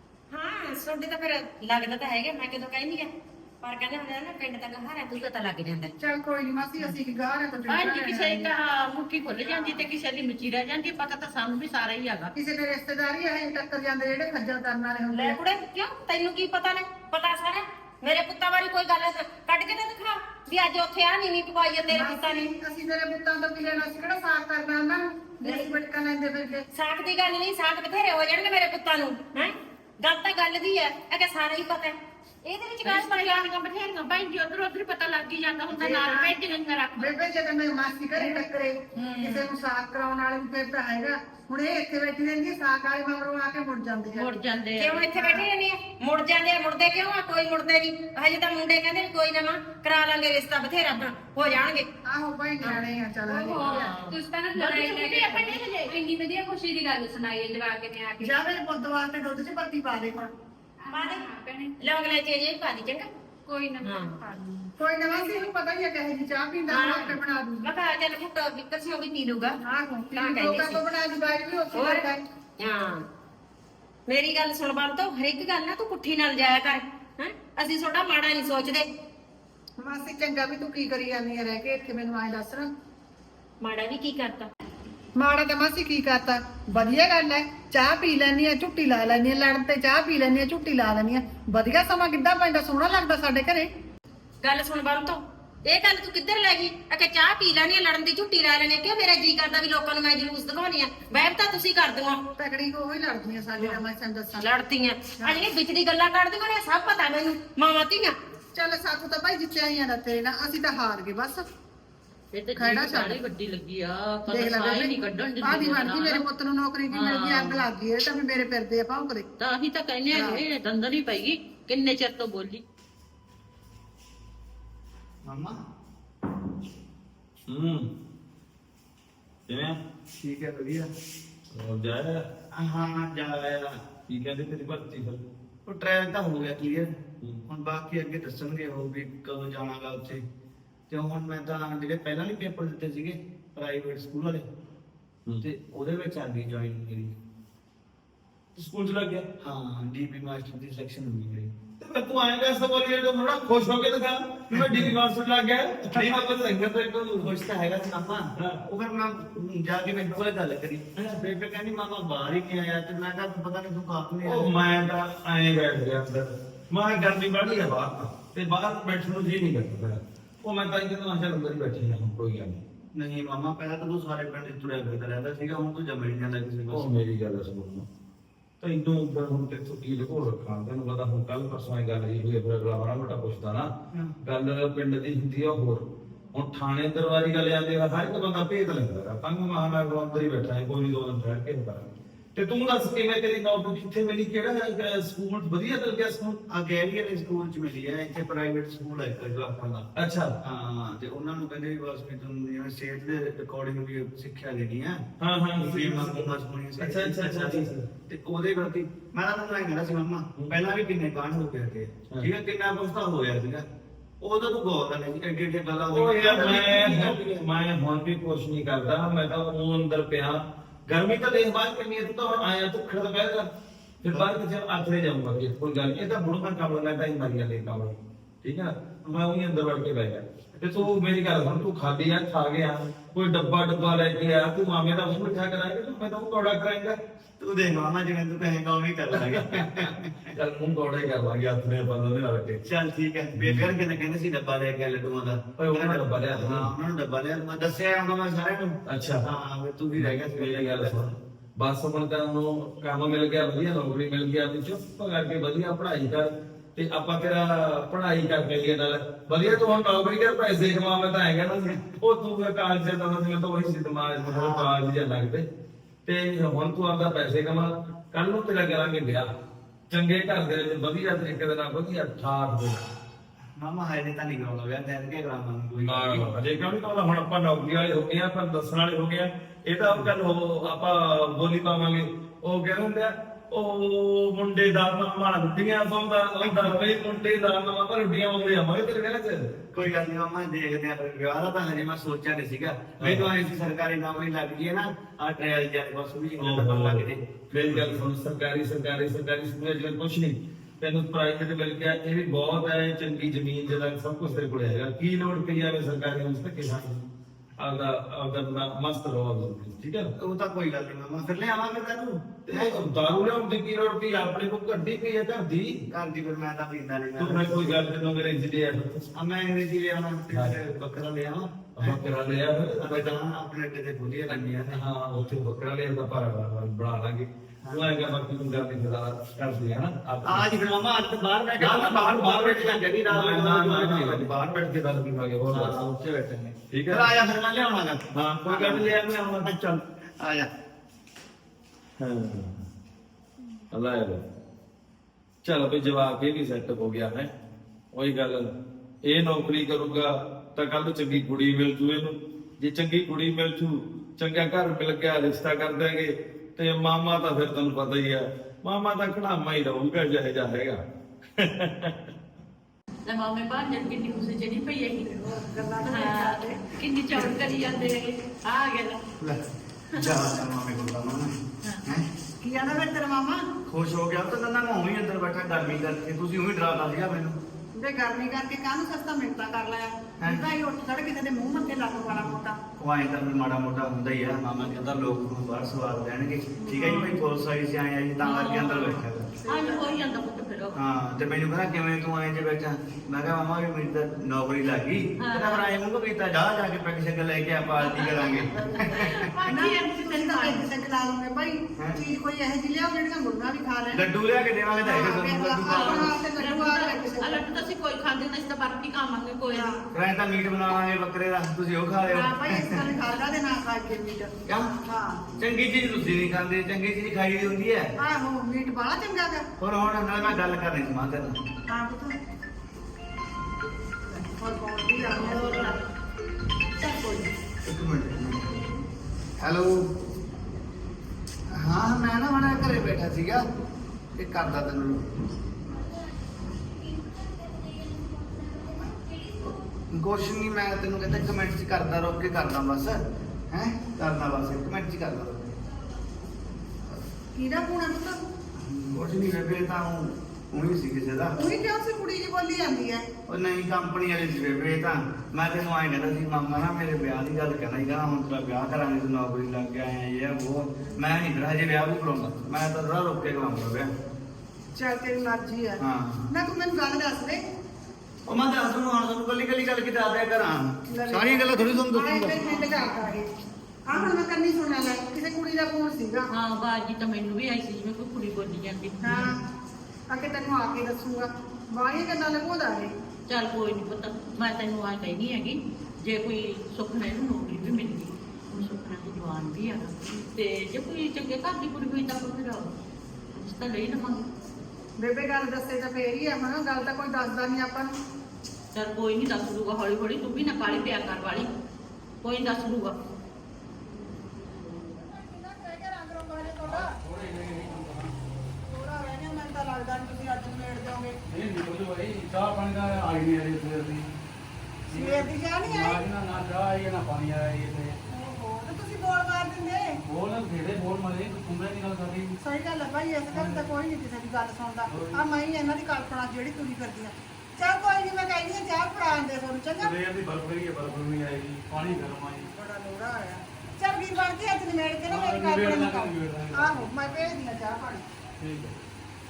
S4: ਹਾਂ ਤੁਹਾਡੇ ਤਾਂ ਫਿਰ ਲੱਗਦਾ ਤਾਂ ਹੈਗਾ ਮੈਂ ਕਦੋਂ ਕਹਿੰਦੀ ਆ ਪਰ ਕਹਿੰਦੇ ਹੁੰਦੇ ਆ ਨਾ ਪਿੰਡ ਤੱਕ ਹਾਰਾ ਤੂੰ ਪਤਾ ਲੱਗ ਜਾਂਦਾ
S1: ਚੱਲ ਕੋਈ ਨਹੀਂ ਮਾਸੀ ਅਸੀਂ ਕੀ ਗਾਹ ਰਹੇ ਤਾਂ
S2: ਹਾਂਜੀ ਕਿਸੇ ਦੀ ਤਾਂ ਮੁੱਠੀ ਖੁੱਲ ਜਾਂਦੀ ਤੇ ਕਿਸੇ ਦੀ ਮੱਚੀ ਰਹਿ ਜਾਂਦੀ ਪਤਾ ਤਾਂ ਸਾਨੂੰ ਵੀ ਸਾਰਾ ਹੀ ਹੈਗਾ
S1: ਕਿਸੇ ਦੇ ਰਿਸ਼ਤੇਦਾਰੀ ਇਹ ਟੱਕਰ ਜਾਂਦੇ ਜਿਹੜੇ ਖੱਜਲ ਕਰਨ ਵਾਲੇ ਹੁੰਦੇ
S4: ਲੈ
S1: ਆ।
S4: ਕੁੜੇ ਕਿਉਂ ਤੈਨੂੰ ਕੀ ਪਤਾ ਨੇ ਪਤਾ ਸਾਰਾ ਮੇਰੇ ਪੁੱਤਾਂ ਬਾਰੇ ਕੋਈ ਗੱਲ ਕੱਢ ਕੇ ਤਾਂ ਦਿਖਾ ਵੀ ਅੱਜ ਉੱਥੇ ਆ ਨੀਵੀਂ ਪਵਾਈ ਆ ਤੇਰੇ ਪੁੱਤਾਂ ਨੇ
S1: ਅਸੀਂ ਅਸੀਂ ਤੇਰੇ ਪੁੱਤਾਂ ਤੋਂ ਕੀ ਲੈਣਾ ਸੀ ਕਿਹੜਾ ਸਾਥ ਕਰਨਾ ਉਹਨਾਂ ਨੂੰ ਦੇਖ ਬਟਕਾ ਲੈਂਦੇ ਫਿਰਦੇ।
S4: ਸਾਖ ਦੀ ਗੱਲ ਨਹੀਂ ਸਾਖ ਬਥੇਰੇ ਹੋ ਜਾਣਗੇ ਮੇਰੇ ਪੁੱਤਾਂ ਨੂੰ ਹੈ ਗੱਲ ਤਾਂ ਗੱਲ ਦੀ ਹੈ ਇਹ ਕਿ ਸਾਰਾ ਹੀ ਪਤਾ ਹੈ ਇਹਦੇ ਵਿੱਚ ਗੱਲ
S2: ਪਰ ਜਾਣੀਆਂ ਬਥੇਰੀਆਂ ਭਾਈ ਜੀ ਉਧਰ ਉਧਰ ਪਤਾ ਲੱਗ ਹੀ ਜਾਂਦਾ ਹੁੰਦਾ ਨਾਲ ਭੇਜ ਗੰਗਾ ਰੱਖ
S1: ਬੇਬੇ ਜਦੋਂ ਮੈਂ ਮਾਸੀ ਘਰੇ ਟੱਕਰੇ ਕਿਸੇ ਨੂੰ ਸਾਥ ਕਰਾਉਣ ਵਾਲੇ ਨੂੰ ਫਿਰ ਤਾਂ ਹੈਗਾ ਹੁਣ ਇਹ ਇੱਥੇ ਬੈਠੀ ਰਹਿੰਦੀ ਸਾਥ ਵਾਲੇ ਮਗਰੋਂ ਆ ਕੇ ਮੁੜ ਜਾਂਦੇ ਆ।
S2: ਮੁੜ ਜਾਂਦੇ ਆ
S4: ਕਿਉਂ ਇੱਥੇ ਬੈਠੇ ਰਹਿੰਦੇ ਆ ਮੁੜ ਜਾਂਦੇ ਆ ਮੁੜਦੇ ਕਿਉਂ ਆ ਕੋਈ ਮੁੜਦੇ ਨਹੀਂ ਹਜੇ ਤਾਂ ਮੁੰਡੇ ਕਹਿੰਦੇ ਵੀ ਕੋਈ ਨਾ ਮਾਂ ਕਰਾ ਲਾਂਗੇ ਰਿਸ਼ਤਾ ਬਥੇਰਾ ਆਪਣਾ ਹੋ ਜਾਣਗੇ
S1: ਆਹੋ ਭਾਈ ਨਿਆਣੇ ਆ ਚੱਲ
S5: ਤੁਸੀਂ ਤਾਂ ਨਾ ਲੜਾਈ ਲੈ ਕੇ ਇੰਨੀ ਵਧੀਆ ਖੁਸ਼ੀ ਦੀ ਗੱਲ ਸੁਣਾਈ ਹੈ ਜਵਾਕ ਨੇ ਆ ਕੇ
S1: ਜਾ ਮੇਰੇ ਪੁੱਤ ਵਾਸਤੇ ਦੁੱਧ 'ਚ ਪੱਤੀ ਪਾ ਦੇ ਹੁਣ।
S4: ਪਾ ਦੇ
S5: ਭੈਣੇ
S4: ਲੋਕ ਲੈ ਕੇ ਜੇ ਪਾ ਦੀ ਚੰਗਾ
S5: ਕੋਈ ਨਾ
S4: ਹਾਂ।
S5: ਪਾ ਦੂੰ।
S1: ਕੋਈ ਨਾ ਮਾਸੀ ਨੂੰ ਪਤਾ ਹੀ ਹੈ ਕਹੇ ਜੀ ਚਾਹ ਪੀਂਦਾ
S4: ਹਾਂ।
S1: ਉਹ ਆਪੇ ਬਣਾ ਦੂੰ।
S4: ਮੈਂ ਕਿਹਾ ਚੱਲ ਫੁੱਟ ਵਿਕਰ ਸੀ ਉਹ ਵੀ ਪੀ ਲੂਗਾ
S1: ਆਹੋ
S4: ਤਾਂ ਕਹਿੰਦੇ
S1: ਲੋਕਾਂ
S4: ਸੀ।
S1: ਤੋਂ ਬਣਾ ਦੀ ਬਾਈ ਵੀ ਉੱਥੇ
S4: ਹੋਰ
S1: ਬੈਠਾ ਹੈ।
S4: ਹਾਂ ਮੇਰੀ ਗੱਲ ਸੁਣ ਬੰਦ ਤੋਂ ਹਰ ਇੱਕ ਗੱਲ ਨਾ ਤੂੰ ਪੁੱਠੀ ਨਾਲ ਜਾਇਆ ਕਰ ਹੈ ਅਸੀਂ ਤੁਹਾਡਾ ਮਾੜਾ ਨਹੀਂ ਸੋਚਦੇ
S1: ਮਾਸੀ ਚੰਗਾ ਵੀ ਤੂੰ ਕੀ ਕਰੀ ਜਾਂਦੀ ਹੈ ਰਹਿ ਕੇ ਇੱਥੇ ਮੈਨੂੰ ਆਏ ਦੱਸ ਨਾ।
S4: ਮਾੜਾ ਵੀ ਕੀ ਕਰਤਾ
S1: ਮਾੜਾ ਤਾਂ ਮਾਸੀ ਕੀ ਕਰਤਾ ਵਧੀਆ ਗੱਲ ਹੈ ਚਾਹ ਪੀ ਲੈਣੀ ਆ ਝੁੱਟੀ ਲਾ ਲੈਣੀ ਆ ਲੜਨ ਤੇ ਚਾਹ ਪੀ ਲੈਣੀ ਆ ਝੁੱਟੀ ਲਾ ਲੈਣੀ ਆ ਵਧੀਆ ਸਮਾਂ ਕਿੱਦਾਂ ਪੈਂਦਾ ਸੋਹਣਾ ਲੱਗਦਾ ਸਾਡੇ ਘਰੇ।
S4: ਗੱਲ ਸੁਣ ਬੰਦ ਤੋਂ ਇਹ ਗੱਲ ਤੂੰ ਕਿੱਧਰ ਲੈ ਗਈ ਅਕੇ ਚਾਹ ਪੀ ਲੈਣੀ ਆ ਲੜਨ ਦੀ ਝੁੱਟੀ ਲਾ ਲੈਣੀ ਆ ਕਿਉਂ ਮੇਰਾ ਜੀ ਕਰਦਾ ਵੀ ਲੋਕਾਂ ਨੂੰ ਮੈਂ ਜਲੂਸ ਦਿਖਾਉਣੀ ਆ ਵੈਬ ਤਾਂ ਤੁਸੀਂ ਕਰ ਦਿਓ
S1: ਤਕੜੀ ਉਹ ਹੀ ਲੜਦੀਆਂ ਸਾਡੇ ਨਾਲ ਮੈਂ ਤੈਨੂੰ ਦੱਸਾਂ।
S4: ਲੜਦੀਆਂ ਆ ਜਿਹੜੀਆਂ ਵਿੱਚ ਦੀ ਗੱਲਾਂ ਕੱਢਦੀਆਂ ਨੇ ਸਭ ਪਤਾ ਮੈਨੂੰ ਮਾਵਾਂ ਧੀਆਂ
S1: ਚੱਲ ਸਾਥੋਂ ਤਾਂ ਭਾਈ ਜਿੱਤੇ ਆਈਆਂ ਦਾ ਤੇਰੇ ਨਾਲ ਅਸੀਂ ਤਾਂ ਹਾਰ ਗਏ ਬਸ।
S2: ਇਹ ਤੇ
S1: ਖੈੜਾ
S2: ਜੀ
S1: ਛੱਡ।
S2: ਸਾਰੀ ਵੱਡੀ ਲੱਗੀ ਆ
S1: ਦੇਖ
S2: ਕਦੇ
S1: ਲੈ
S2: ਸਾਈ ਨਹੀਂ ਕੱਢਣ
S1: ਬੇਬੇ ਆਦੀ ਬਣ ਗਈ ਮੇਰੇ
S2: ਦਿੰਦੀ
S1: ਪੁੱਤ ਨੂੰ ਨੌਕਰੀ ਦੀ ਮਿਲ ਗਈ ਅੱਗ ਲੱਗ ਗਈ ਇਹ ਤਾਂ ਵੀ ਮੇਰੇ ਫਿਰਦੇ ਆ ਭੌਂਕਦੇ।
S2: ਤਾਂ ਅਸੀਂ ਤਾਂ ਕਹਿੰਦੇ ਆ ਇਹ ਦੰਦ ਨਹੀਂ ਪਈਗੀ ਕਿੰਨੇ ਚਿਰ ਤੋਂ ਬੋਲੀ
S3: ਮਾਮਾ
S6: ਹੂੰ ਕਿਵੇਂ
S3: ਠੀਕ ਹੈ ਵਧੀਆ।
S6: ਹੋ ਜਾਇਆ
S3: ਹਾਂ ਜਾ ਆਇਆ।
S6: ਕੀ ਕਹਿੰਦੇ ਤੇਰੀ ਭਰਤੀ ਫਿਰ
S3: ਉਹ ਟ੍ਰਾਇਲ ਤਾਂ ਹੋ ਗਿਆ ਕਲੀਅਰ
S6: ਹੂੰ।
S3: ਹੁਣ ਬਾਕੀ ਅੱਗੇ ਦੱਸਣਗੇ ਉਹ ਵੀ ਕਦੋਂ ਜਾਣਾਗਾ ਉੱਥੇ ਤੇ ਹੁਣ ਮੈਂ ਤਾਂ ਜਿਹੜੇ ਪਹਿਲਾਂ ਵੀ ਪੇਪਰ ਦਿੱਤੇ ਸੀਗੇ ਪ੍ਰਾਈਵੇਟ ਸਕੂਲ ਵਾਲੇ
S6: ਹੂੰ।
S3: ਤੇ ਉਹਦੇ ਵਿੱਚ ਆ ਗਈ ਜੁਆਇਨ ਮੇਰੀ।
S6: ਸਕੂਲ ਚ ਲੱਗ ਗਿਆ
S3: ਹਾਂ ਡੀਪੀ ਮਾਸਟਰ ਦੀ ਸਿਲੈਕਸ਼ਨ ਹੋ ਗਈ ਮੇਰੀ।
S6: ਤੇ ਮੈਂ ਤੂੰ ਆਏਗਾ ਸਭ ਵਾਲੀ ਤੋਂ ਥੋੜਾ ਖੁਸ਼ ਹੋ ਕੇ ਦਿਖਾ ਕਿ ਮੈਂ ਡਿਗਰੀ ਮਾਸਟਰ ਲੱਗ ਗਿਆ ਨਹੀਂ ਮੈਂ ਕੁਝ ਸੰਗਤ ਤੋਂ ਇੱਕ
S3: ਖੁਸ਼ ਤਾਂ ਹੈਗਾ ਸੀ ਮਾਮਾ
S6: ਹਾਂ।
S3: ਉਹ ਫਿਰ ਮੈਂ ਜਾ ਕੇ ਮੇਰੇ ਕੋਲ ਗੱਲ ਕਰੀ ਬੇਬੇ ਕਹਿੰਦੀ ਮਾਮਾ ਬਾਹਰ ਹੀ ਨਹੀਂ ਆਇਆ ਤੇ ਮੈਂ ਕਿਹਾ ਪਤਾ ਨਹੀਂ ਤੂੰ ਕਾਹ ਨਹੀਂ
S6: ਉਹ ਮੈਂ ਤਾਂ ਐਂ ਬੈਠ ਗਿਆ ਅੰਦਰ ਮੈਂ ਕਿਹਾ ਗਰਮੀ ਬੜੀ ਹੈ ਬਾਹਰ ਤੇ ਬਾਹਰ ਬੈਠਣ ਨੂੰ ਜੀ ਨਹੀਂ ਕਰਦਾ ਮੇਰਾ। ਉਹ ਮੈਂ ਤਾਂ ਕਹਿੰਦਾ ਮੈਂ ਅੰਦਰ ਹੀ ਬੈਠੀ ਹਾਂ ਹੁਣ ਕੋਈ ਗੱਲ ਨਹੀਂ
S3: ਨਹੀਂ ਮਾਮਾ ਪਹਿਲਾਂ ਤਾਂ ਤੂੰ ਸਾਰੇ ਪਿੰਡ 'ਚ ਤੁਰਿਆ ਫਿਰਦਾ ਰਹਿੰਦਾ ਸੀਗਾ ਹੁਣ ਤੂੰ ਜੰਮ ਨਹੀਂ ਜਾਂਦਾ ਕਿਸੇ
S6: ਉਹ
S3: ਪਾਸੇ।
S6: ਮੇਰੀ ਗੱਲ ਸੁਣੋ ਤੈਨੂੰ ਉੱਪਰ ਹੁਣ ਤੇ ਛੁੱਟੀ ਲਗੋ ਰੱਖਾਂ ਤੈਨੂੰ ਪਤਾ ਹੁਣ ਕੱਲ ਪਰਸੋਂ ਇਹ ਗੱਲ ਹੀ ਹੋਈ ਫਿਰ ਅਗਲਾ ਬੜਾ ਮੋਟਾ ਪੁੱਛਦਾ ਨਾ ਗੱਲ ਪਿੰਡ ਦੀ ਹੁੰਦੀ ਆ ਹੋਰ ਹੁਣ ਥਾਣੇ ਦਰਬਾਰੀ ਗੱਲ ਜਾਂਦੇ ਆ ਹਰ ਇੱਕ ਬੰਦਾ ਭੇਦ ਲੈਂਦਾ ਤਾਂ ਮਹਾ ਮੈਂ ਅੰਦਰ ਹੀ ਬੈਠਾ ਹਾਂ ਕੋਈ ਨਹੀਂ ਦੋ ਦਿਨ ਠਹਿਰ ਕੇ ਕਰਾਂਗੇ ਤੇ ਤੂੰ ਦੱਸ ਕਿਵੇਂ ਤੇਰੀ ਨੌਕਰੀ ਕਿੱਥੇ ਮਿਲੀ ਕਿਹੜਾ ਸਕੂਲ ਵਧੀਆ ਚੱਲ ਗਿਆ ਸਕੂਲ
S3: ਆ ਗੈਰੀਅਰ ਸਕੂਲ 'ਚ ਮਿਲੀ ਹੈ ਇੱਥੇ ਪ੍ਰਾਈਵੇਟ ਸਕੂਲ ਹੈ ਇੱਕ ਜਵਾਕਾਂ ਦਾ।
S6: ਅੱਛਾ
S3: ਹਾਂ ਤੇ ਉਹਨਾਂ ਨੂੰ ਕਹਿੰਦੇ ਵੀ ਬਸ ਵੀ ਤੁਹਾਨੂੰ ਜਿਵੇਂ ਸਿਹਤ ਦੇ ਅਕੋਰਡਿੰਗ ਵੀ ਸਿੱਖਿਆ ਦੇਣੀ ਹੈ।
S6: ਹਾਂ ਹਾਂ
S3: ਵੀ ਮੰਗ ਮਸ ਹੋਣੀ ਸੀ।
S6: ਅੱਛਾ, ਅੱਛਾ, ਅੱਛਾ, ਅੱਛਾ।
S3: ਤੇ ਉਹਦੇ ਕਰਕੇ ਮੈਂ ਤਾਂ ਤੁਹਾਨੂੰ ਕਹਿੰਦਾ ਸੀ ਮਾਮਾ ਪਹਿਲਾਂ ਵੀ ਕਿੰਨੇ ਕਾਂਡ ਹੋ ਗਏ ਸੀ ਠੀਕ ਹੈ ਕਿੰਨਾ ਕੁਛ ਤਾਂ ਹੋਇਆ ਸੀਗਾ ਉਦੋਂ ਤੂੰ ਗੌਰ ਕਰਨੀ ਸੀ ਐਡੇ ਐਡੇ ਗੱਲਾਂ
S6: ਉਹ ਯਾਰ ਮੈਂ ਮੈਂ ਹੁਣ ਵੀ ਕੁਛ ਨਹੀਂ ਕਰਦਾ ਮੈਂ ਤਾਂ ਉਹ ਅੰਦਰ ਪਿਆ ਗਰਮੀ ਤਾਂ ਦੇਖ ਬਾਅਦ ਕਿੰਨੀ ਹੈ ਤੂੰ ਤਾਂ ਹੁਣ ਆਇਆ ਤੂੰ ਖੜ ਬਹਿ ਜਾ ਫਿਰ ਬਾਅਦ ਵਿੱਚ ਆਥਰੇ ਜਾਊਂਗਾ ਕਿ ਕੋਈ ਗੱਲ ਨਹੀਂ ਇਹ ਤਾਂ ਬੁੜਕਾ ਕੰਮ ਲੈਣਾ ਤਾਂ ਹੀ ਮਰੀਆ ਲੈ ਕੰਮ ਠੀਕ ਹੈ ਮੈਂ ਉਹੀ ਅੰਦਰ ਵੜ ਕੇ ਬਹਿ ਗਿਆ ਤੇ ਤੂੰ ਮੇਰੀ ਗੱਲ ਸੁਣ ਤੂੰ ਖਾਲੀ ਆ ਖਾ ਗਿਆ ਕੋਈ ਡੱਬਾ ਡੱਬਾ ਲੈ ਕੇ ਆ ਤੂੰ ਮਾਮੇ ਦਾ ਮੂੰਹ ਮਿੱਠਾ ਕਰਾਏਗਾ ਤੂੰ ਮੈਂ ਤਾਂ ਉਹ ਕੌੜਾ ਕਰਾਏਗਾ
S3: ਤੂੰ ਦੇਖ ਮਾਮਾ ਜਿਵੇਂ ਤੂੰ ਕਹੇਗਾ ਉਵੇਂ ਹੀ ਕਰ ਲਾਂਗੇ।
S6: ਚੱਲ ਮੂੰਹ ਕੌੜਾ ਹੀ ਕਰ ਲਾਂਗੇ ਆਥਰੇ ਬੰਦ ਦੇ ਨਾਲ ਕੇ
S3: ਚੱਲ ਠੀਕ ਹੈ ਬੇਬੇ ਕਿਨੇ ਕਹਿੰਦੇ ਸੀ ਡੱਬਾ ਲੈ ਕੇ ਆ ਲੱਡੂਆਂ ਦਾ
S6: ਓਏ ਉਹਨਾਂ ਨੂੰ ਡੱਬਾ ਲਿਆ
S3: ਹਾਂ ਉਹਨਾਂ ਨੂੰ ਡੱਬਾ ਲਿਆ ਮੈਂ ਦੱਸਿਆ ਉਹਨਾਂ ਮੈਂ ਸਾਰਿਆਂ ਨੂੰ
S6: ਅੱਛਾ
S3: ਹਾਂ ਫਿਰ ਤੂੰ ਵੀ ਰਹਿ ਗਿਆ ਸੀ
S6: ਮੇਰੀ ਗੱਲ ਸੁਣ ਬਸ ਹੁਣ ਤਾਂ ਉਹਨੂੰ ਕੰਮ ਮਿਲ ਗਿਆ ਵਧੀਆ ਨੌਕਰੀ ਮਿਲ ਗਿਆ ਤੇ ਚੁੱਪ ਕਰਕੇ ਵਧੀਆ ਪੜ੍ਹਾਈ ਕਰ ਤੇ ਆਪਾਂ ਤੇਰਾ ਪੜ੍ਹਾਈ ਕਰਕੇ ਲਈ ਨਾਲ ਵਧੀਆ ਤੂੰ ਹੁਣ ਨੌਕਰੀ ਕਰ ਪੈਸੇ ਕਮਾ ਮੈਂ ਤਾਂ ਹੈਗਾ ਨਾ ਉਹ ਤੂੰ ਫਿਰ ਕਾਲਜ ਦਾ ਮੈਂ ਤਾਂ ਉਹੀ ਸੀ ਦਿਮਾਗ ਮਤਲਬ ਕਾਲਜ ਜਾਂ ਲੱਗਦੇ ਤੇ ਹੁਣ ਤੂੰ ਆਪਦਾ ਪੈਸੇ ਕਮਾ ਕੱਲ ਨੂੰ ਤੇਰਾ ਕਰਾਂਗੇ ਵਿਆਹ ਚੰਗੇ ਘਰ ਦੇ ਵਿੱਚ ਵਧੀਆ ਤਰੀਕੇ ਦੇ ਨਾਲ ਵਧੀਆ ਠਾਠ ਹੋ
S3: ਮਾਮਾ ਹਾਇਦੇ ਤਾਂ ਨਹੀਂ ਕਰਾਉਣਾ ਵਿਆਹ ਤੈਨੂੰ ਕੀ ਕਰਾਵਾਂਗੇ ਕੋਈ
S6: ਨਾ ਅਜੇ ਕਿਉਂ ਨਹੀਂ ਕਹਦਾ ਹੁਣ ਆਪਾਂ ਨੌਕਰੀ ਵਾਲੇ ਹੋ ਗਏ ਆ ਪਰ ਦੱਸਣ ਵਾਲੇ ਹੋ ਗਏ ਆ ਇਹ ਤਾਂ ਉਹ ਗੱਲ ਹੋ ਆਪਾਂ ਬੋਲੀ ਪਾਵਾਂਗੇ ਉਹ ਕਹਿੰਦੇ ਹੁੰਦੇ ਆ ਉਹ ਮੁੰਡੇ ਦਾ ਮਾਮਾ ਰੁੱਟੀਆਂ ਪਾਉਂਦਾ ਹੁੰਦਾ ਬਈ ਮੁੰਡੇ ਦਾ ਮਾਮਾ ਰੁੱਟੀਆਂ ਪਾਉਂਦੇ ਆ ਮੈਂ ਤੇਰੇ ਵਿਆਹ 'ਚ
S3: ਕੋਈ ਗੱਲ ਨਹੀਂ ਮਾਮਾ ਦੇਖਦੇ ਆ ਫਿਰ ਵਿਆਹ ਦਾ ਤਾਂ ਹਜੇ ਮੈਂ ਸੋਚਿਆ ਨਹੀਂ ਸੀਗਾ ਮੈਨੂੰ ਐਸੀ ਸਰਕਾਰੀ ਨੌਕਰੀ ਲੱਗ ਗਈ ਹੈ ਨਾ ਆ ਟ੍ਰਾਇਲ ਜਾਣੇ ਬਸ ਵੀ ਪਤਾ ਲੱਗ ਜੇ
S6: ਮੇਰੀ ਗੱਲ ਸੁਣ ਸਰਕਾਰੀ ਸਰਕਾਰੀ ਸਰਕਾਰੀ ਸਕੂਲ ਚ ਕੁਛ ਨਹੀਂ ਤੈਨੂੰ ਪ੍ਰਾਈਵੇਟ ਮਿਲ ਗਿਆ ਇਹ ਵੀ ਬਹੁਤ ਹੈ ਚੰਗੀ ਜ਼ਮੀਨ ਜਿਹੜਾ ਸਭ ਕੁਝ ਤੇਰੇ ਕੋਲ ਹੈਗਾ ਕੀ ਲੋੜ ਪਈ ਆਵੇ ਸਰਕਾਰੀ ਨੂੰ ਧੱਕੇ ਖਾਣ ਆਪਦਾ ਆਪਦਾ ਮਸਤ ਰਹੋ ਠੀਕ ਹੈ
S3: ਉਹ ਤਾਂ ਕੋਈ ਗੱਲ ਨਹੀਂ ਮਾਮਾ ਫਿਰ ਲੈ ਆਵਾਂਗੇ ਤੈਨੂੰ
S6: ਤੇ ਦਾਰੂ ਲਿਆਉਣ ਦੀ ਕੀ ਲੋੜ ਪਈ ਆਪਣੇ ਕੋਲ ਗੱਡੀ ਪਈ ਹੈ ਘਰ ਦੀ
S3: ਘਰ ਦੀ ਫਿਰ ਮੈਂ ਤਾਂ ਪੀਂਦਾ ਨਹੀਂ
S6: ਤੂੰ ਮੈਂ ਕੋਈ ਗੱਲ ਤੈਨੂੰ ਅੰਗਰੇਜ਼ੀ ਦੇ ਆ
S3: ਆ ਮੈਂ ਅੰਗਰੇਜ਼ੀ ਲੈ ਆਉਣਾ ਤੇ ਬੱਕਰਾ ਲੈ ਆਵਾਂ
S6: ਆਪਾਂ ਕਰਾ ਲਿਆ ਫਿਰ
S3: ਮੈਂ ਤਾਂ ਆਪਣੇ ਅੱਡੇ ਤੇ ਖੁੱਲੀਆਂ ਲੱਗੀਆਂ ਨੇ
S6: ਹਾਂ ਉੱਥੇ ਬੱਕਰਾ ਲਿਆ ਦਾ ਪਰ ਬਣਾ ਲਾਂਗੇ ਤੂੰ ਆਏਗਾ ਬਾਕੀ ਤੂੰ ਗੱਲ ਨਹੀਂ ਕਰਾ ਕਰਦੀ ਹੈ ਨਾ
S3: ਆਜ ਫਿਰ ਮਾਮਾ ਅੱਜ ਤਾਂ ਬਾਹਰ ਬੈਠ
S6: ਨਾ ਨਾ ਬਾਹਰ ਬਾਹਰ ਬੈਠ ਕੇ
S3: ਜੱਗੀ
S6: ਨਾ
S3: ਨਾਲ
S6: ਨਾ ਨਾ ਬਾਹਰ ਬੈਠ ਕੇ ਗੱਲ ਕਰਾਂਗੇ ਹੋਰ
S3: ਉੱਥੇ ਬੈਠੇ ਨੇ
S6: ਠੀਕ
S3: ਫਿਰ
S6: ਹੈ
S3: ਆ ਜਾ ਫਿਰ ਮੈਂ ਲਿਆਉਣਾਗਾ
S6: ਹਾਂ ਕੋਈ ਗੱਲ ਨਹੀਂ ਮੈਂ ਆਉਣਾ
S3: ਚੱਲ ਆ ਜਾ
S6: ਹਾਂ ਅੱਲਾ ਹੈ ਚਲ ਵੀ ਜਵਾਬ ਇਹ ਵੀ ਸੈੱਟ ਹੋ ਗਿਆ ਹੈ ਉਹੀ ਗੱਲ ਇਹ ਨੌਕਰੀ ਕਰੂਗਾ ਤਾਂ ਕੱਲ ਨੂੰ ਚੰਗੀ ਕੁੜੀ ਮਿਲ ਜੂ ਇਹਨੂੰ ਜੇ ਚੰਗੀ ਕੁੜੀ ਮਿਲ ਜੂ ਚੰਗਾ ਘਰ ਮਿਲ ਗਿਆ ਰਿਸ਼ਤਾ ਕਰ ਦੇਗੇ ਤੇ ਮਾਮਾ ਤਾਂ ਫਿਰ ਤੁਹਾਨੂੰ ਪਤਾ ਹੀ ਆ ਮਾਮਾ ਤਾਂ ਖੜਾਮਾ ਹੀ ਰਹੂਗਾ ਜਿਹੇ ਜਾ ਹੈਗਾ
S2: ਲੈ ਮਾਮੇ ਬਾਹਰ ਜਦ ਕਿੰਨੀ ਉਸੇ ਚੜੀ ਪਈ ਹੈਗੀ
S1: ਗੱਲਾਂ ਤਾਂ
S2: ਹਾਂ,
S1: ਕਰਦੇ
S2: ਕਿੰਨੀ ਚੌੜ ਕਰੀ ਜਾਂਦੇ ਹੈਗੇ ਆ ਗਿਆ ਲੈ
S3: ਲੈ ਜਾ ਜਾ ਮਾਮੇ ਕੋਲ ਤਾਂ ਮਾਮਾ ਹੈ
S1: ਕੀ ਆਂਦਾ ਫਿਰ ਤੇਰਾ ਮਾਮਾ
S3: ਖੁਸ਼ ਹੋ ਗਿਆ ਉਹ ਤਾਂ ਕਹਿੰਦਾ ਮੈਂ ਉਹੀ ਅੰਦਰ ਬੈਠਾ ਗਰਮੀ ਕਰਕੇ ਤੁਸੀਂ ਉਹੀ ਡਰਾਤਾ ਸੀਗਾ ਮੈਨੂੰ
S1: ਤੇ ਗਰਮੀ ਕਰਕੇ ਕਾਹਨੂੰ ਸਸਤਾ ਮਿੰਟਾ ਕਰ ਲਿਆ ਤਾਂ ਹੀ ਉੱਠ ਖੜ ਕਿਸੇ ਦੇ ਮੂੰਹ ਮੱਥੇ ਲੱਗ ਵਾਲਾ ਮੋਟਾ
S3: ਉਹ ਐਂ ਤਾਂ ਵੀ ਮਾੜਾ ਮੋਟਾ ਹੁੰਦਾ ਹੀ ਆ ਮਾਮਾ ਕਹਿੰਦਾ ਲੋਕ ਨੂੰ ਬਾਹਰ ਸਵਾਦ ਦੇਣਗੇ ਠੀਕ ਹੈ ਜੀ ਭਾਈ ਫੁੱਲ ਸਾਈਜ਼ ਆਏ ਆ ਜੀ ਤਾਂ ਕਰਕੇ ਅੰਦਰ ਬੈਠਾ ਗਾ।
S2: ਆ ਵੀ ਹੋਈ ਜਾਂਦਾ ਪੁੱਤ ਫਿਰ ਉਹ।
S3: ਹਾਂ ਤੇ ਮੈਨੂੰ ਕਹਿੰਦਾ ਕਿਵੇਂ ਤੂੰ ਐਂ ਜੇ ਬੈਠਾ ਮੈਂ ਕਿਹਾ ਮਾਮਾ ਵੀ ਮੇਰੀ ਤਾਂ ਨੌਕਰੀ ਲੱਗ ਗਈ ਕਹਿੰਦਾ ਫਿਰ ਐਂ ਮੂੰਹ ਕੀਤਾ ਜਾ ਜਾ ਕੇ ਪੈਕ ਸ਼ੈਕ ਲੈ ਕੇ ਆ ਪਾਰਟੀ ਕਰਾਂਗੇ
S1: ਨਾ ਤੁਸੀਂ ਮੈਨੂੰ ਤਾਂ ਕਿੱਥੇ ਸੇ ਖਿਲਾ ਲਓਗੇ ਭਾਈ ਚੀਜ਼ ਕੋਈ ਇਹੋ ਜਿਹੀ ਲਿਆਓ ਜਿਹੜੀਆਂ ਮੁਰਗਾ ਵੀ ਖਾ ਲੈਣ
S3: ਲੱਡੂ ਲਿਆ ਕੇ ਦੇਵਾਂਗੇ ਤਾਂ ਹੈਗੇ ਤੁਹਾਨੂੰ ਲੱਡੂ ਖਾ
S1: ਆਪਣਾ
S3: ਲਾਂਗੇ
S1: ਵਾਸਤੇ ਲੱਡੂ ਆ ਰਿਹਾ ਕਿਸੇ
S2: ਆ ਲੱਡੂ ਤਾਂ ਅਸੀਂ ਕੋਈ ਖਾਂਦੇ ਨਹੀਂ ਅਸੀਂ ਤਾਂ ਬਰਫੀ ਖਾਵਾਂਗੇ ਕੋਈ ਨਾ
S3: ਫਿਰ ਐਂ ਤਾਂ ਮੀਟ ਬਣਾਵਾਂਗੇ ਬੱਕਰੇ ਦਾ ਤੁਸੀਂ ਉਹ ਖਾ ਲਿਓ
S1: ਹਾਂ ਭਾਈ ਇਸ ਤਰ੍ਹਾਂ ਖਾਦਾ ਦੇ ਨਾ ਖਾ ਕੇ ਮੀਟ
S3: ਕਿਉਂ
S1: ਹਾਂ
S3: ਚੰਗੀ ਚੀਜ਼ ਤੁਸੀਂ ਨਹੀਂ ਖਾਂਦੇ ਚੰਗੀ ਚੀਜ਼ ਖਾਈ ਦੀ ਹੁੰਦੀ ਹੈ
S1: ਆਹੋ ਮੀਟ ਬਾਲਾ ਚੰਗਾ ਕਰ
S3: ਹੋਰ ਹੁਣ ਨਾਲ ਮੈਂ ਗੱਲ ਕਰਨੀ ਸੀ ਮਾਂ ਤੈਨੂੰ
S1: ਹਾਂ ਪੁੱਤ ਹੋਰ ਕੌਣ ਵੀ ਆ ਗਿਆ ਚੱਲ ਕੋਈ ਨੀ।
S3: ਇੱਕ ਮਿੰਟ ਹੈਲੋ ਹਾਂ ਮੈਂ ਨਾ ਮਣਾ ਘਰੇ ਬੈਠਾ ਸੀਗਾ ਇਹ ਕਰਦਾ ਤੈਨੂੰ ਕੁਛ ਨਹੀਂ ਮੈਂ ਤੈਨੂੰ ਕਹਿੰਦਾ ਇੱਕ ਮਿੰਟ ਚ ਕਰਦਾ ਰੁਕ ਕੇ ਕਰਦਾ ਬਸ ਹੈ ਕਰਦਾ ਬਸ ਇੱਕ ਮਿੰਟ ਚ ਕਰਦਾ ਰੁਕ ਕੇ।
S1: ਕਿਹਦਾ ਪੂਣਾ ਪੁੱਤ
S3: ਕੁਛ ਨਹੀਂ ਬੇਬੇ ਤਾਂ ਉਹੀ ਸੀ ਕਿਸੇ ਦਾ
S1: ਉਹੀ ਕਿਉਂ ਸੀ ਕੁੜੀ ਜੀ ਬੋਲੀ ਜਾਂਦੀ ਹੈ
S3: ਉਹ ਨਹੀਂ ਕੰਪਨੀ ਵਾਲੀ ਸੀ ਬੇਬੇ ਇਹ ਤਾਂ ਮੈਂ ਤੈਨੂੰ ਆਏ ਕਹਿੰਦਾ ਸੀ ਮਾਮਾ ਨਾ ਮੇਰੇ ਵਿਆਹ ਦੀ ਗੱਲ ਕਹਿੰਦਾ ਸੀਗਾ ਹੁਣ ਤੇਰਾ ਵਿਆਹ ਕਰਾਂਗੇ ਤੂੰ ਨੌਕਰੀ ਲੱਗ ਗਿਆ ਹੈ ਇਹ ਉਹ ਮੈਂ ਨਹੀਂ ਤੇਰਾ ਹਜੇ ਵਿਆਹ ਵੀ ਕਰਾਉਂਦਾ ਮੈਂ ਤਾਂ ਥੋੜਾ ਰੁਕ ਕੇ ਕਰਾਉਂਗਾ ਵਿਆਹ
S1: ਚੱਲ ਤੇਰੀ ਮਰਜ਼ੀ ਹੈ
S3: ਹਾਂ
S1: ਨਾ ਤੂੰ ਮੈਨੂੰ ਗੱਲ ਦੱਸ ਦੇ
S3: ਉਹ ਮੈਂ ਦੱਸ ਦੂੰਗਾ ਹੁਣ ਤੁਹਾਨੂੰ ਕੱਲੀ ਕੱਲੀ ਗੱਲ ਕਿਤੇ ਆਦਿਆ ਕਰਾਂ ਸਾਰੀਆਂ ਗੱਲਾਂ ਥੋੜੀ ਤੁਹਾਨੂੰ
S1: ਆਏ
S3: ਦੱਸੂਗਾ
S1: ਫਿਰ ਮਿੰਟ ਗਾ ਕਰਾਂਗੇ ਆਹ ਹੁਣ ਮੈਂ ਕੰਨੀ ਸੁਣਿਆ ਲੈ ਕਿਸੇ ਕੁੜੀ ਦਾ ਫੋਨ ਸੀਗਾ
S2: ਹਾਂ ਬਾਜੀ ਤਾਂ ਮੈਨੂੰ ਵੀ ਆਈ ਸੀ ਜਿਵੇਂ ਕੋਈ ਕੁੜੀ ਬੋਲੀ ਜਾਂਦੀ
S1: ਹਾਂ ਆ ਕੇ ਤੈਨੂੰ ਆ ਕੇ ਦੱਸੂਗਾ ਬਾਹਲੀਆਂ ਗੱਲਾਂ ਲਗੋਦਾ ਏ
S2: ਚੱਲ ਕੋਈ ਨਹੀਂ ਪਤਾ ਮੈਂ ਤੈਨੂੰ ਆ ਕਹਿਨੀ ਹੈਗੀ ਜੇ ਕੋਈ ਸੁਪਨਾ ਨੂੰ ਨੌਕਰੀ ਵੀ ਮਿਲ ਗਈ ਉਹ ਸੁਪਨਾ ਦੀ ਜਵਾਨ ਵੀ ਹੈਗਾ ਤੇ ਜੇ ਕੋਈ ਚੰਗੇ ਘਰ ਦੀ ਕੁੜੀ ਹੋਈ ਤਾਂ ਫਿਰ ਉਸ ਤਾਂ ਲਈ ਲਵਾਂਗੇ
S1: ਬੇਬੇ ਗੱਲ ਦੱਸੇ ਤਾਂ ਫੇਰ ਹੀ ਆ ਹਨਾ ਗੱਲ ਤਾਂ ਕੋਈ ਦੱਸਦਾ ਨਹੀਂ ਆਪਾਂ ਨੂੰ
S2: ਚੱਲ ਕੋਈ ਨਹੀਂ ਦੱਸ ਦੂਗਾ ਹੌਲੀ ਹੌਲੀ ਤੂੰ ਵੀ ਨਾ ਕਾਲੀ ਪਿਆ ਕਰ ਵਾਲੀ ਕੋਈ ਨੀ ਦੱਸ ਦੂਗਾ
S7: ਨਹੀਂ ਨਿਕਲ ਜੋ ਭਾਈ ਚਾਹ ਪਾਣੀ ਦਾ ਆਈ ਨਹੀਂ ਰਹੀ ਸਵੇਰ ਦੀ
S1: ਸਵੇਰ ਦੀ ਚਾਹ ਨਹੀਂ ਆਈ
S7: ਨਾ ਨਾ ਚਾਹ ਆਈ ਹੈ, ਨਾ ਪਾਣੀ ਆਇਆ ਇਹ ਤੇ
S1: ਓਹੋ ਤੇ ਤੁਸੀਂ ਬੋਲ ਮਾਰ ਦਿੰਦੇ
S7: ਬੋਲ ਫੇਰੇ ਬੋਲ ਮਾਰੇ ਤੁਮਰੇ ਨਿਕਲ ਸਾਡੀ
S1: ਸਹੀ ਗੱਲ ਹੈ ਭਾਈ ਇਸ ਘਰ ਤਾਂ ਕੋਈ ਨਹੀਂ ਕਿਸੇ ਦੀ ਗੱਲ ਸੁਣਦਾ ਆ ਮੈਂ ਹੀ ਇਹਨਾਂ ਦੀ ਕਲਪਨਾ ਜਿਹੜੀ ਤੁਰੀ ਫਿਰਦੀ ਆ ਚੱਲ ਕੋਈ ਨਹੀਂ ਮੈਂ ਕਹਿੰਦੀ ਆ ਚਾਹ ਫੜਾ ਆਂਦੇ ਤੁਹਾਨੂੰ ਚੰਗਾ
S7: ਸਵੇਰ ਦੀ ਬਰਫ ਰਹੀ ਹੈ ਬਰਫ ਨਹੀਂ ਆਏਗੀ ਪਾਣੀ ਗਰਮ ਆਈ
S1: ਬੜਾ ਲੋੜਾ ਆਇਆ ਚੱਲ ਕੀ ਬਣਦੀ ਅੱਜ ਨਿਮੇੜ ਕੇ ਨਾ ਮੇਰੀ
S7: ਹਾਂ, ਨਿਬੇੜ
S1: ਕਲਪਨਾ
S7: ਦਾਂਗੇ, ਨਿਬੇੜ ਦਾਂਗੇ।
S1: ਆਹੋ ਮੈਂ ਭੇਜ ਦਿਆਂ ਚਾਹ ਪਾਣੀ
S7: ਠੀਕ ਹੈ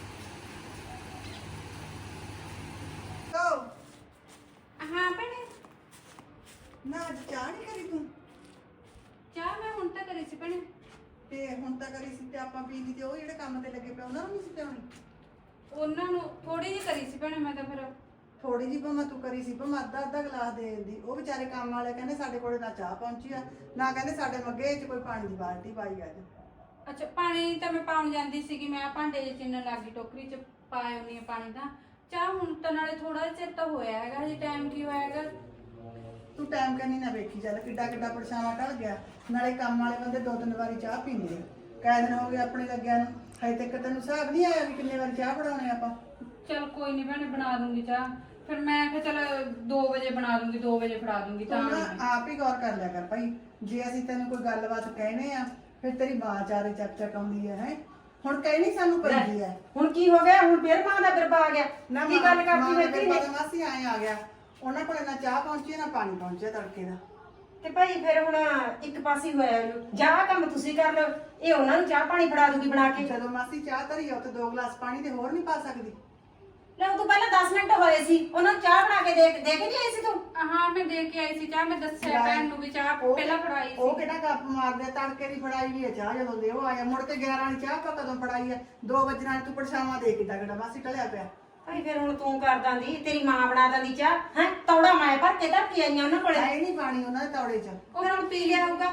S1: ਤੋ
S5: ਹਾਂ ਭੈਣੇ
S1: ਨਾ ਅੱਜ ਚਾਹ ਨਹੀਂ ਕਰੀ ਤੂੰ
S5: ਚਾਹ ਮੈਂ ਹੁਣ ਤਾਂ ਕਰੀ ਸੀ ਭੈਣੇ
S1: ਤੇ ਹੁਣ ਤਾਂ ਕਰੀ ਸੀ ਤੇ ਆਪਾਂ ਪੀ ਲਈ ਤੇ ਉਹ ਜਿਹੜੇ ਕੰਮ ਤੇ ਲੱਗੇ ਪਏ ਉਹਨਾਂ ਨੂੰ ਨਹੀਂ ਸੀ ਪਿਆਉਣੀ
S5: ਉਹਨਾਂ ਨੂੰ ਥੋੜੀ ਜਿਹੀ ਕਰੀ ਸੀ ਭੈਣੇ ਮੈਂ ਤਾਂ ਫਿਰ
S1: ਥੋੜੀ ਜਿਹੀ ਭਾਵੇਂ ਤੂੰ ਕਰੀ ਸੀ ਭਾਵੇਂ ਅੱਧਾ ਅੱਧਾ ਗਲਾਸ ਦੇ ਦਿੰਦੀ ਉਹ ਵਿਚਾਰੇ ਕੰਮ ਵਾਲੇ ਕਹਿੰਦੇ ਸਾਡੇ ਕੋਲੇ ਨਾ ਚਾਹ ਪਹੁੰਚੀ ਆ ਨਾ ਕਹਿੰਦੇ ਸਾਡੇ ਮੱਗੇ 'ਚ ਕੋਈ ਪਾਣੀ ਦੀ ਬਾਲਟੀ ਪਾਈ ਅੱਜ
S5: ਅੱਛਾ ਪਾਣੀ ਤਾਂ ਮੈਂ ਪਾਉਣ ਜਾਂਦੀ ਸੀਗੀ ਮੈਂ ਭਾਂਡੇ ਜਿਹੇ ਚਿੰਨਣ ਲੱਗ ਗਈ ਟੋਕਰੀ 'ਚ ਪਾਇਆ ਹੁੰਦੀ ਆ ਪਾਣੀ ਤਾਂ ਚਾਹ ਹੁਣ ਤਾਂ ਨਾਲੇ ਥੋੜਾ ਜਿਹਾ ਚਿਰ ਤਾਂ ਹੋਇਆ ਹੈਗਾ ਹਜੇ ਟਾਈਮ ਕੀ ਹੋਇਆ ਹੈਗਾ
S1: ਤੂੰ ਟਾਈਮ ਕੰਨੀ ਨਾ ਵੇਖੀ ਚੱਲ ਕਿੱਡਾ ਕਿੱਡਾ ਪਰਛਾਵਾਂ ਟਲ ਗਿਆ ਨਾਲੇ ਕੰਮ ਵਾਲੇ ਬੰਦੇ ਦੋ ਤਿੰਨ ਵਾਰੀ ਚਾਹ ਪੀਂਦੇ ਆ ਕਈ ਦਿਨ ਹੋ ਗਏ ਆਪਣੇ ਲੱਗਿਆ ਨੂੰ ਹਜੇ ਤੱਕ ਤੈਨੂੰ ਹਿਸਾਬ ਨਹੀਂ ਆਇਆ ਵੀ ਕਿੰਨੇ ਵਾਰ ਚਾਹ ਬਣਾਉਣੇ ਆਪਾਂ?
S5: ਚਲ ਕੋਈ ਨਹੀਂ ਭੈਣੇ ਬਣਾ ਦੂੰਗੀ ਚਾਹ। ਫਿਰ ਮੈਂ ਕਿਹਾ ਚਲ ਦੋ ਵਜੇ ਬਣਾ ਦੂੰਗੀ, ਦੋ ਵਜੇ ਫੜਾ ਦੂੰਗੀ ਤਾਂ
S1: ਤੂੰ ਨਾ
S5: ਨੀ।
S1: ਆਪ ਹੀ ਗੌਰ ਕਰ ਲਿਆ ਕਰ ਭਾਈ, ਜੇ ਅਸੀਂ ਤੈਨੂੰ ਕੋਈ ਗੱਲਬਾਤ ਕਹਿਣੇ ਆ ਫਿਰ ਤੇਰੀ ਮਾਂ ਚਾਰੇ ਚੱਕ ਚੱਕ ਆਉਂਦੀ ਹੈ ਹੈ ਹੁਣ ਕਹਿਣੀ ਸਾਨੂੰ ਪੈਂਦੀ ਹੈ।
S4: ਹੁਣ ਕੀ ਹੋ ਗਿਆ? ਹੁਣ ਫੇਰ ਮਾਂ ਦਾ ਗਰਬਾ ਆ ਗਿਆ।
S1: ਨਾ
S4: ਕੀ ਗੱਲ ਕਰਦੀ ਬੈਠੀ ਨੇ?
S1: ਮਾਸੀ ਆਏ ਆ ਗਿਆ, ਉਹਨਾਂ ਕੋਲ ਨਾ ਚਾਹ ਪਹੁੰਚੀ ਨਾ ਪਾਣੀ ਪਹੁੰਚਿਆ ਤੜਕੇ ਦਾ।
S4: ਤੇ ਭਾਈ ਫਿਰ ਹੁਣ ਇੱਕ ਪਾਸੇ ਹੋਇਆ ਇਹਨੂੰ, ਜਾਂ ਕੰਮ ਤੁਸੀਂ ਕਰ ਲਓ, ਇਹ ਉਹਨਾਂ ਨੂੰ ਚਾਹ ਪਾਣੀ ਫੜਾ ਦੂਗੀ ਬਣਾ ਕੇ।
S1: ਜਦੋਂ ਮਾਸੀ ਚਾਹ ਧਰੀ ਆ ਉੱਥੇ ਦੋ ਗਲਾਸ ਪਾਣੀ ਦੇ ਹੋਰ ਨਹੀਂ ਪਾ ਸਕਦੀ?
S4: ਲੈ ਉਹ ਤੋਂ ਪਹਿਲਾਂ ਦਸ ਮਿੰਟ ਹੋਏ ਸੀ, ਉਹਨਾਂ ਨੂੰ ਚਾਹ ਬਣਾ ਕੇ ਦੇ ਦੇ ਕੇ ਨਹੀਂ ਆਈ ਸੀ ਤੂੰ?
S5: ਹਾਂ ਮੈਂ ਦੇ ਕੇ ਆਈ ਸੀ ਚਾਹ, ਮੈਂ ਦੱਸਿਆ ਭੈਣ ਨੂੰ ਵੀ ਚਾਹ
S1: ਉਹ-
S5: ਪਹਿਲਾਂ ਫੜਾਈ
S1: ਉਹ
S5: ਸੀ।
S1: ਕਿਹੜਾ ਗੱਪ ਮਾਰਦੇ, ਤੜਕੇ ਦੀ ਫੜਾਈ ਵੀ ਹੈ ਚਾਹ ਜਦੋਂ ਦੇ ਉਹ ਆਇਆ। ਮੁੜ ਕੇ ਗਿਆਰਾਂ ਵਾਲੀ ਚਾਹ ਆਪਾਂ ਕਦੋਂ ਫੜਾਈ ਹੈ? ਦੋ ਵਜੇ ਨਾਲ ਤੂੰ ਪਰਛਾਵਾਂ ਦੇ ਕੇ ਤਗੜਾ ਮਾਸੀ ਟਲਿਆ ਪਿਆ।
S4: ਭਾਈ ਫਿਰ ਹੁਣ ਤੂੰ ਕਰ ਦਾਂਦੀ, ਤੇਰੀ ਮਾਂ ਬਣਾ ਦਾਂਦੀ ਚਾਹ ਹੈ। ਤੌੜਾ ਮੈਂ ਭਰ ਕੇ ਧਰ ਕੇ ਆਈਆਂ ਉਹਨਾਂ ਕੋਲੇ।
S1: ਹੈ ਨਹੀਂ ਪਾਣੀ ਉਹਨਾਂ ਦੇ ਤੌੜੇ 'ਚ।
S4: ਉਹ ਫਿਰ ਹੁਣ ਪੀ ਲਿਆ ਹੋਊਗਾ।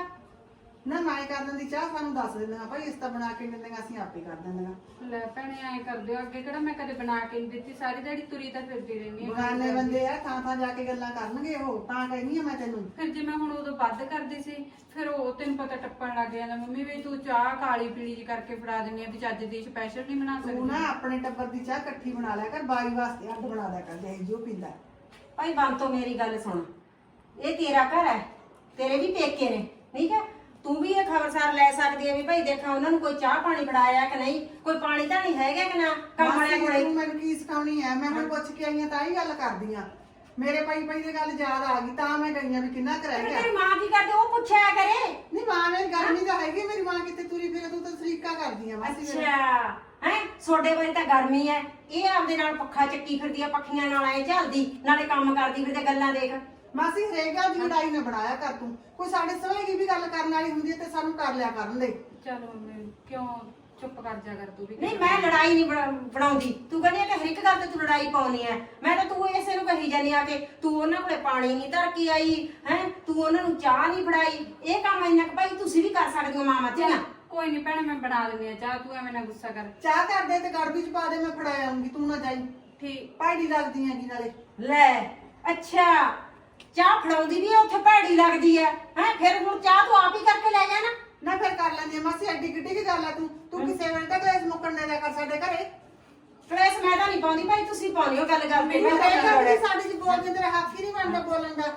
S1: ਨਾ ਮੈਂ ਕਰ ਦਿੰਦੀ ਚਾਹ, ਸਾਨੂੰ ਦੱਸ ਦਿੰਦੀਆਂ ਭਾਈ ਇਸ ਤਾਂ ਬਣਾ ਕੇ ਦਿੰਦੀਆਂ, ਅਸੀਂ ਆਪੇ ਕਰ ਦਿੰਦੀਆਂ।
S5: ਲੈ ਭੈਣੇ ਐਂ ਕਰਦੇ ਹੋ, ਅੱਗੇ ਕਿਹੜਾ ਮੈਂ ਕਦੇ ਬਣਾ ਕੇ ਨਹੀਂ ਦਿੱਤੀ, ਸਾਰੀ ਦਿਹਾੜੀ ਤੁਰੀ ਤਾਂ ਫਿਰਦੀ ਰਹਿੰਦੀ ਹਾਂ।
S1: ਬਗਾਨੇ ਬੰਦੇ ਆ, ਥਾਂ ਥਾਂ ਜਾ ਕੇ ਗੱਲਾਂ ਕਰਨਗੇ ਉਹ, ਤਾਂ ਕਹਿੰਦੀ ਆ ਮੈਂ ਤੈਨੂੰ।
S5: ਫਿਰ ਜੇ ਮੈਂ ਹੁਣ ਉਦੋਂ ਵੱਧ ਕਰਦੀ ਸੀ, ਫਿਰ ਉਹ ਤੈਨੂੰ ਪਤਾ ਟੱਪਣ ਲੱਗ ਜਾਂਦਾ, ਮੰਮੀ ਵੀ ਤੂੰ ਚਾਹ ਕਾਲੀ ਪੀਲੀ ਜੀ ਕਰਕੇ ਫੜਾ ਦਿੰਦੀ ਆ ਵੀ ਚੱਜ ਦੀ ਸਪੈਸ਼ਲ ਨਹੀਂ ਬਣਾ
S1: ਤੂੰ
S5: ਸਕਦੀ।
S1: ਨਾ ਆਪਣੇ ਟੱਬਰ ਦੀ ਚਾਹ ਇਕੱਠੀ ਬਣਾ ਲਿਆ ਕਰ, ਬਾਈ ਵਾਸਤੇ ਅੱਡ ਬਣਾ ਲਿਆ ਕਰ, ਜੇ ਜੋ ਪੀਂਦਾ।
S4: ਭਾਈ ਬੰਦ ਤੋਂ ਮੇਰੀ ਗੱਲ ਸੁਣ, ਇਹ ਤੇਰਾ ਘਰ ਹੈ, ਤੇਰੇ ਵੀ ਪੇਕੇ ਨੇ, ਠੀਕ ਹੈ? ਤੂੰ ਵੀ ਇਹ ਖਬਰਸਾਰ ਲੈ ਸਕਦੀ ਹੈ ਵੀ ਭਾਈ ਦੇਖਾਂ ਉਹਨਾਂ ਨੂੰ ਕੋਈ ਚਾਹ ਪਾਣੀ ਫੜਾਇਆ ਕਿ ਨਹੀਂ, ਕੋਈ ਪਾਣੀ ਤਾਂ ਨਹੀਂ ਹੈਗਾ ਕਿ ਨਾ ਕੰਮ ਵਾਲਿਆਂ ਕੋਲੇ।
S1: ਤੂੰ ਮੈਨੂੰ ਕੀ ਸਿਖਾਉਣੀ ਐ? ਮੈਂ ਹੁਣ ਪੁੱਛ ਕੇ ਆਈ ਆ ਤਾਂ ਹੀ ਗੱਲ ਕਰਦੀ ਆ। ਮੇਰੇ ਪਈ ਪਈ ਦੀ ਗੱਲ ਯਾਦ ਆ ਗਈ ਤਾਂ ਮੈਂ ਗਈ ਆ ਵੀ ਕਿੰਨਾ ਕੁ ਰਹਿ ਗਿਆ।
S4: ਤੇਰੀ ਮਾਂ ਕੀ ਕਰਦੀ ਉਹ ਪੁੱਛਿਆ ਕਰੇ।
S1: ਨਹੀਂ ਮਾਂ ਮੇਰੀ ਗਰਮੀ ਤਾਂ ਹੈਗੀ, ਮੇਰੀ ਮਾਂ ਕਿਤੇ ਤੁਰੀ ਫਿਰੇ, ਤੂੰ ਤਾਂ ਸਰੀਕਾ ਕਰਦੀ ਆ ਮਾਸੀ ਮੇਰੇ।
S4: ਅੱਛਾ ਹੈ, ਸੋਡੇ ਵਾਲੀ ਤਾਂ ਗਰਮੀ ਹੈ, ਇਹ ਆਪਦੇ ਨਾਲ ਪੱਖਾ ਚੱਕੀ ਫਿਰਦੀ ਆ, ਪੱਖੀਆਂ ਨਾਲ ਐ ਝਲਦੀ, ਨਾਲੇ ਕੰਮ ਕਰਦੀ ਫਿਰਦੇ, ਗੱਲਾਂ ਦੇਖ।
S1: ਮਾਸੀ ਹਰੇਕ ਗੱਲ ਦੀ ਲੜਾਈ ਨਾ ਬਣਾਇਆ ਕਰ ਤੂੰ, ਕੋਈ ਸਾਡੇ ਸਵੇਗੀ ਵੀ ਗੱਲ ਕਰਨ ਵਾਲੀ ਹੁੰਦੀ ਹੈ ਤੇ ਸਾਨੂੰ ਕਰ ਲਿਆ ਕਰਨ ਦੇ।
S5: ਚਲੋ ਮੰਮੀ ਕਿਉਂ ਚੁੱਪ ਕਰ ਜਾ ਕਰ ਤੂੰ ਵੀ।
S4: ਨਹੀਂ ਮੈਂ ਲੜਾਈ ਨਹੀਂ ਬਣਾਉਂਦੀ, ਤੂੰ ਕਹਿੰਦੀ ਆ ਕਿ ਹਰ ਇੱਕ ਗੱਲ ਤੇ ਤੂੰ ਲੜਾਈ ਪਾਉਣੀ ਹੈ। ਮੈਂ ਤਾਂ ਤੂੰ ਇਸੇ ਨੂੰ ਕਹੀ ਜਾਨੀ ਆ ਕਿ ਤੂੰ ਉਹਨਾਂ ਕੋਲੇ ਪਾਣੀ ਨਹੀਂ ਧਰ ਕੇ ਆਈ ਹੈ, ਤੂੰ ਉਹਨਾਂ ਨੂੰ ਚਾਹ ਨਹੀਂ ਫੜਾਈ। ਇਹ ਕੰਮ ਇੰਨਾ ਕੁ ਭਾਈ ਤੁਸੀਂ ਵੀ ਕਰ ਸਕਦੇ ਹੋ ਮਾਮਾ ਧੀਆਂ।
S5: ਕੋਈ ਨਹੀਂ ਭੈਣੇ ਮੈਂ ਬਣਾ ਦਿੰਦੀ ਆ ਚਾਹ, ਤੂੰ ਐਵੇਂ ਨਾ ਗੁੱਸਾ ਕਰ।
S1: ਚਾਹ ਕਰ ਦੇ ਤੇ ਗੜਬੀ ਚ ਪਾ ਦੇ, ਮੈਂ ਫੜਾ ਆਉਂਗੀ, ਤੂੰ ਨਾ ਜਾਈ।
S5: ਠੀਕ।
S1: ਭਾੜੀ ਲੱਗਦੀ ਹੈਗੀ ਨਾਲੇ।
S4: ਲੈ ਅੱਛਾ, ਚਾਹ ਫੜਾਉਂਦੀ ਵੀ ਉੱਥੇ ਭੈੜੀ ਲੱਗਦੀ ਹੈ ਹੈ, ਫਿਰ ਹੁਣ ਚਾਹ ਤੂੰ ਆਪ ਹੀ ਕਰਕੇ ਲੈ ਜਾ ਨਾ।
S1: ਨਾ ਫਿਰ ਕਰ ਲੈਂਦੀ ਆ ਮਾਸੀ, ਐਡੀ ਕਿੱਡੀ ਕੀ ਗੱਲ ਆ। ਤੂੰ ਤੂੰ ਕਿਸੇ ਵੇਲੇ ਤਾਂ ਕਲੇਸ਼ ਮੁੱਕਣ ਦੇ ਦਿਆ ਕਰ ਸਾਡੇ ਘਰੇ।
S4: ਕਲੇਸ਼ ਮੈਂ ਤਾਂ ਨਹੀਂ ਪਾਉਂਦੀ ਭਾਈ, ਤੁਸੀਂ ਪਾਉਂਦੇ ਹੋ ਗੱਲ ਗੱਲ ਤੇ।
S1: ਮੈਨੂੰ ਤਾਂ ਇਹ ਗੱਲ ਵੀ ਸਾਡੇ ਚ ਬੋਲਦੇ, ਤੇਰਾ ਹੱਕ ਹੀ ਨਹੀਂ ਬਣਦਾ ਬੋਲਣ ਦਾ।